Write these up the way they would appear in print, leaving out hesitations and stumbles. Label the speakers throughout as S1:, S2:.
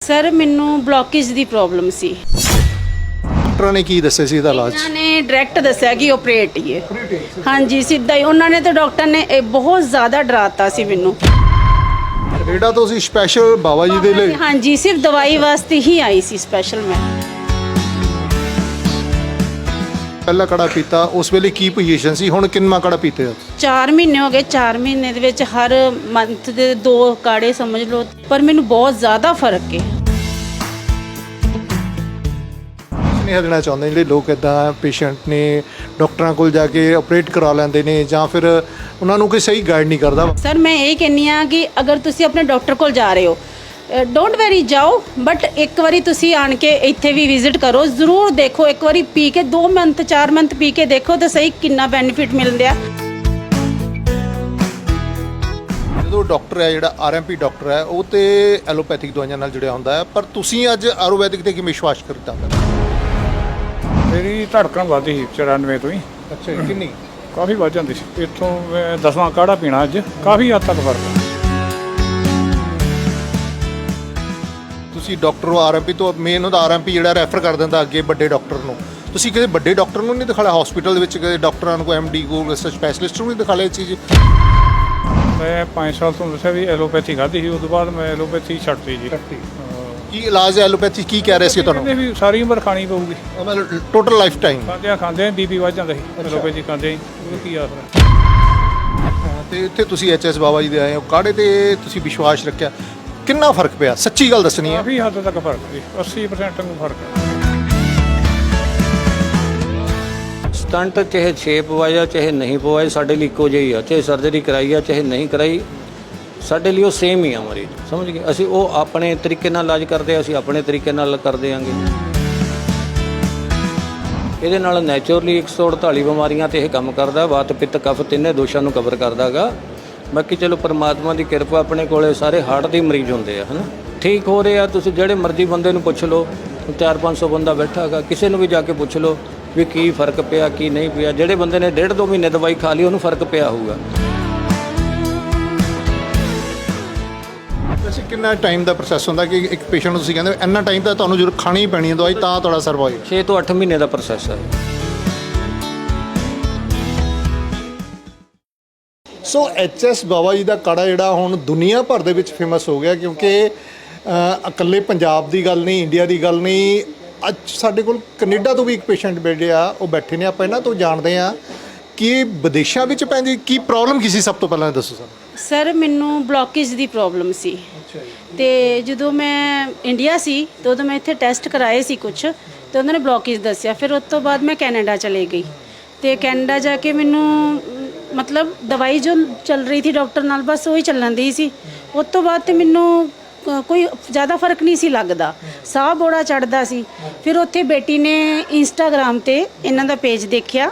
S1: Sir ਮੈਨੂੰ blockage ਦੀ problem ਸੀ।
S2: ਡਾਕਟਰਾਂ ਨੇ ਕੀ ਦੱਸਿਆ ਸੀ ਇਹਦਾ ਇਲਾਜ?
S1: ਉਹਨਾਂ ਨੇ ਡਾਇਰੈਕਟ ਦੱਸਿਆ ਕਿ ਆਪਰੇਟ ਹੀ ਹੈ। ਹਾਂਜੀ ਸਿੱਧਾ ਹੀ ਉਹਨਾਂ ਨੇ ਤੇ ਡਾਕਟਰ ਨੇ ਇਹ ਬਹੁਤ ਜ਼ਿਆਦਾ ਡਰਾਤਾ ਸੀ ਮੈਨੂੰ।
S2: ਕੈਨੇਡਾ ਤੋਂ ਅਸੀਂ ਸਪੈਸ਼ਲ ਬਾਬਾ ਜੀ ਦੇ ਲਈ?
S1: ਹਾਂਜੀ ਸਿਰਫ ਦਵਾਈ ਵਾਸਤੇ ਹੀ ਆਈ ਸੀ ਸਪੈਸ਼ਲ ਮੈਂ।
S2: ਪਹਿਲਾ ਕੜਾ ਪੀਤਾ ਉਸ ਵੇਲੇ ਕੀ ਪੋਜੀਸ਼ਨ ਸੀ, ਹੁਣ ਕਿੰਨਾ ਕੜਾ ਪੀਤੇ ਹੋ?
S1: 4 ਮਹੀਨੇ ਹੋ ਗਏ। 4 ਮਹੀਨੇ ਦੇ ਵਿੱਚ ਹਰ ਮੰਥ ਦੇ 2 ਕਾੜੇ ਸਮਝ ਲਓ, ਪਰ ਮੈਨੂੰ ਬਹੁਤ ਜ਼ਿਆਦਾ ਫਰਕ ਹੈ।
S2: ਨਹੀਂ ਹੱਲਣਾ ਚਾਹੁੰਦੇ ਜਿਹੜੇ ਲੋਕ ਇਦਾਂ ਪੇਸ਼ੈਂਟ ਨੇ ਡਾਕਟਰਾਂ ਕੋਲ ਜਾ ਕੇ ਆਪਰੇਟ ਕਰਾ ਲੈਂਦੇ ਨੇ ਜਾਂ ਫਿਰ ਉਹਨਾਂ ਨੂੰ ਕੋਈ ਸਹੀ ਗਾਈਡ ਨਹੀਂ ਕਰਦਾ।
S1: ਸਰ ਮੈਂ ਇਹ ਕਹਿੰਦੀ ਹਾਂ ਕਿ ਅਗਰ ਤੁਸੀਂ ਆਪਣੇ ਡਾਕਟਰ ਕੋਲ ਜਾ ਰਹੇ ਹੋ, ਡੋਂਟ ਵੈਰੀ ਜਾਓ, ਬਟ ਇੱਕ ਵਾਰੀ ਤੁਸੀਂ ਆਣ ਕੇ ਇੱਥੇ ਵੀ ਵਿਜ਼ਿਟ ਕਰੋ, ਜ਼ਰੂਰ ਦੇਖੋ। ਇੱਕ ਵਾਰੀ ਪੀ ਕੇ 2 ਮੰਥ 4 ਮੰਥ ਪੀ ਕੇ ਦੇਖੋ ਤਾਂ ਸਹੀ ਕਿੰਨਾ ਬੈਨੀਫਿਟ ਮਿਲਦਾ।
S2: ਜਦੋਂ ਡਾਕਟਰ ਹੈ ਜਿਹੜਾ ਆਰਐਮਪੀ ਡਾਕਟਰ ਹੈ ਉਹ ਤੇ ਐਲੋਪੈਥਿਕ ਦਵਾਈਆਂ ਨਾਲ ਜੁੜਿਆ ਹੁੰਦਾ ਹੈ, ਪਰ ਤੁਸੀਂ ਅੱਜ ਆਯੁਰਵੈਦਿਕ ਤੇ ਕੀ ਵਿਸ਼ਵਾਸ ਕਰਤਾ?
S3: ਮੇਰੀ ਧੜਕਣ ਵੱਧਦੀ ਸੀ 94 ਤੋਂ ਹੀ।
S2: ਅੱਛਾ ਜੀ, ਕਿੰਨੀ?
S3: ਕਾਫੀ ਵੱਧ ਜਾਂਦੀ ਸੀ। ਇੱਥੋਂ ਮੈਂ 10ਵਾਂ ਕਾੜਾ ਪੀਣਾ ਅੱਜ ਕਾਫੀ ਹੱਦ ਤੱਕ ਫਰਕ ਹੈ।
S2: ਤੁਸੀਂ ਡਾਕਟਰ ਆਰਐਮਪੀ ਤੋਂ ਮੇਨ ਉਹਦਾ ਆਰਐਮਪੀ ਜਿਹੜਾ ਰੈਫਰ ਕਰ ਦਿੰਦਾ ਅੱਗੇ ਵੱਡੇ ਡਾਕਟਰ ਨੂੰ। ਤੁਸੀਂ ਕਿਸੇ ਵੱਡੇ ਡਾਕਟਰ ਨੂੰ ਨਹੀਂ ਦਿਖਾਇਆ ਹਸਪੀਟਲ ਦੇ ਵਿੱਚ? ਕਿਸੇ ਡਾਕਟਰਾਂ ਨੂੰ, ਕੋਈ ਐਮਡੀ ਕੋਲ ਸਪੈਸ਼ਲਿਸਟ ਨੂੰ ਨਹੀਂ ਦਿਖਾਇਆ ਇਹ ਚੀਜ਼?
S3: ਮੈਂ 5 ਸਾਲ ਤੋਂ ਦੱਸਿਆ ਵੀ ਐਲੋਪੈਥੀ ਖਾਧੀ ਸੀ, ਉਸ ਤੋਂ ਬਾਅਦ ਮੈਂ ਐਲੋਪੈਥੀ ਛੱਡਤੀ ਜੀ।
S2: ਕੀ ਇਲਾਜ ਹੈ ਐਲੋਪੈਥੀ? ਕੀ ਕਹਿ ਰਹੇ ਸੀ ਤੁਹਾਨੂੰ?
S3: ਕਹਿੰਦੇ ਵੀ ਸਾਰੀ ਉਮਰ ਖਾਣੀ ਪਊਗੀ,
S2: ਮਤਲਬ ਟੋਟਲ ਲਾਈਫ ਟਾਈਮ?
S3: ਖਾਂਦੇ ਬੀਪੀ ਵੱਧ ਜਾਂਦਾ ਸੀ ਐਲੋਪੈਥੀ ਖਾਂਦੇ। ਉਹ ਕੀ ਆਸਰਾ।
S2: ਤੇ ਇੱਥੇ ਤੁਸੀਂ ਐਚਐਸ ਬਾਬਾ ਜੀ ਦੇ ਆਏ ਹੋ, ਕਾੜੇ ਤੇ ਤੁਸੀਂ ਵਿਸ਼ਵਾਸ ਰੱਖਿਆ, ਕਿੰਨਾ ਫਰਕ ਪਿਆ? ਸੱਚੀ ਗੱਲ ਦੱਸਣੀ ਹੈ।
S3: ਕਾਫੀ ਹੱਦ ਤੱਕ ਫਰਕ ਸੀ, 80% ਨੂੰ ਫਰਕ ਹੈ।
S4: ਸਟੰਟ ਚਾਹੇ 6 ਪਵਾਇਆ ਚਾਹੇ ਨਹੀਂ ਪਵਾਇਆ ਸਾਡੇ ਲਈ ਇੱਕੋ ਜਿਹੀ ਆ, ਚਾਹੇ ਸਰਜਰੀ ਕਰਾਈ ਆ ਚਾਹੇ ਨਹੀਂ ਕਰਾਈ, ਸਾਡੇ ਲਈ ਉਹ ਸੇਮ ਹੀ ਆ ਮਰੀਜ਼। ਸਮਝ ਗਏ? ਅਸੀਂ ਉਹ ਆਪਣੇ ਤਰੀਕੇ ਨਾਲ ਇਲਾਜ ਕਰਦੇ ਆ, ਅਸੀਂ ਆਪਣੇ ਤਰੀਕੇ ਨਾਲ ਕਰਦੇ ਆਂਗੇ। ਇਹਦੇ ਨਾਲ ਨੈਚੁਰਲੀ 148 ਬਿਮਾਰੀਆਂ ਤੇ ਇਹ ਕੰਮ ਕਰਦਾ। ਵਾਤ ਪਿੱਤ ਕਫ ਤਿੰਨੇ ਦੋਸ਼ਾਂ ਨੂੰ ਕਵਰ ਕਰਦਾ ਗਾ। ਬਾਕੀ ਚਲੋ ਪਰਮਾਤਮਾ ਦੀ ਕਿਰਪਾ, ਆਪਣੇ ਕੋਲੇ ਸਾਰੇ ਹਾਰਟ ਦੇ ਮਰੀਜ਼ ਹੁੰਦੇ ਆ, ਹੈ ਨਾ, ਠੀਕ ਹੋ ਰਹੇ ਆ। ਤੁਸੀਂ ਜਿਹੜੇ ਮਰਜ਼ੀ ਬੰਦੇ ਨੂੰ ਪੁੱਛ ਲਓ, 400-500 ਬੰਦਾ ਬੈਠਾ ਹੈਗਾ, ਕਿਸੇ ਨੂੰ ਵੀ ਜਾ ਕੇ ਪੁੱਛ ਲਓ ਵੀ ਕੀ ਫਰਕ ਪਿਆ ਕੀ ਨਹੀਂ ਪਿਆ। ਜਿਹੜੇ ਬੰਦੇ ਨੇ 1.5-2 ਮਹੀਨੇ ਦਵਾਈ ਖਾ ਲਈ ਉਹਨੂੰ ਫਰਕ ਪਿਆ ਹੋਊਗਾ।
S2: ਵੈਸੇ ਕਿੰਨਾ ਟਾਈਮ ਦਾ ਪ੍ਰੋਸੈਸ ਹੁੰਦਾ ਕਿ ਇੱਕ ਪੇਸ਼ੈਂਟ ਨੂੰ ਤੁਸੀਂ ਕਹਿੰਦੇ ਇੰਨਾ ਟਾਈਮ ਤਾਂ ਤੁਹਾਨੂੰ ਜ਼ਰੂਰ ਖਾਣੀ ਹੀ ਪੈਣੀ ਹੈ ਦਵਾਈ ਤਾਂ ਤੁਹਾਡਾ ਸਰਵਾਈਵ?
S4: 6 ਤੋਂ 8 ਮਹੀਨੇ ਦਾ ਪ੍ਰੋਸੈਸ ਹੈ।
S2: ਸੋ ਐਚਐਸ ਬਾਬਾ ਜੀ ਦਾ ਕਾੜਾ ਜਿਹੜਾ ਹੁਣ ਦੁਨੀਆ ਭਰ ਦੇ ਵਿੱਚ ਫੇਮਸ ਹੋ ਗਿਆ, ਕਿਉਂਕਿ ਇਕੱਲੇ ਪੰਜਾਬ ਦੀ ਗੱਲ ਨਹੀਂ, ਇੰਡੀਆ ਦੀ ਗੱਲ ਨਹੀਂ, ਅੱਜ ਸਾਡੇ ਕੋਲ ਕੈਨੇਡਾ ਤੋਂ ਵੀ ਇੱਕ ਪੇਸ਼ੈਂਟ ਬੈਠੇ ਆ, ਉਹ ਬੈਠੇ ਨੇ। ਆਪਾਂ ਇਹਨਾਂ ਤੋਂ ਜਾਣਦੇ ਆ ਕਿ ਵਿਦੇਸ਼ਾਂ ਵਿੱਚ ਪੈਂਦੀ ਕੀ ਪ੍ਰੋਬਲਮ ਕੀ ਸੀ। ਸਭ ਤੋਂ ਪਹਿਲਾਂ ਦੱਸੋ ਸਾਨੂੰ।
S1: ਸਰ ਮੈਨੂੰ ਬਲੌਕੇਜ ਦੀ ਪ੍ਰੋਬਲਮ ਸੀ। ਤੇ ਜਦੋਂ ਮੈਂ ਇੰਡੀਆ ਸੀ ਤਾਂ ਉਦੋਂ ਮੈਂ ਇੱਥੇ ਟੈਸਟ ਕਰਾਏ ਸੀ ਕੁਝ, ਤੇ ਉਹਨਾਂ ਨੇ ਬਲੌਕੇਜ ਦੱਸਿਆ। ਫਿਰ ਉਸ ਤੋਂ ਬਾਅਦ ਮੈਂ ਕੈਨੇਡਾ ਚਲੇ ਗਈ, ਤੇ ਕੈਨੇਡਾ ਜਾ ਕੇ ਮੈਨੂੰ ਮਤਲਬ ਦਵਾਈ ਜੋ ਚੱਲ ਰਹੀ ਸੀ ਡਾਕਟਰ ਨਾਲ ਬਸ ਉਹੀ ਚੱਲਣ ਦੀ ਸੀ। ਉਸ ਤੋਂ ਬਾਅਦ ਤੇ ਮੈਨੂੰ ਕੋਈ ਜ਼ਿਆਦਾ ਫਰਕ ਨਹੀਂ ਸੀ ਲੱਗਦਾ, ਸਾਹ ਬੜਾ ਚੜਦਾ ਸੀ। ਫਿਰ ਉੱਥੇ ਬੇਟੀ ਨੇ ਇੰਸਟਾਗ੍ਰਾਮ ਤੇ ਇਹਨਾਂ ਦਾ ਪੇਜ ਦੇਖਿਆ,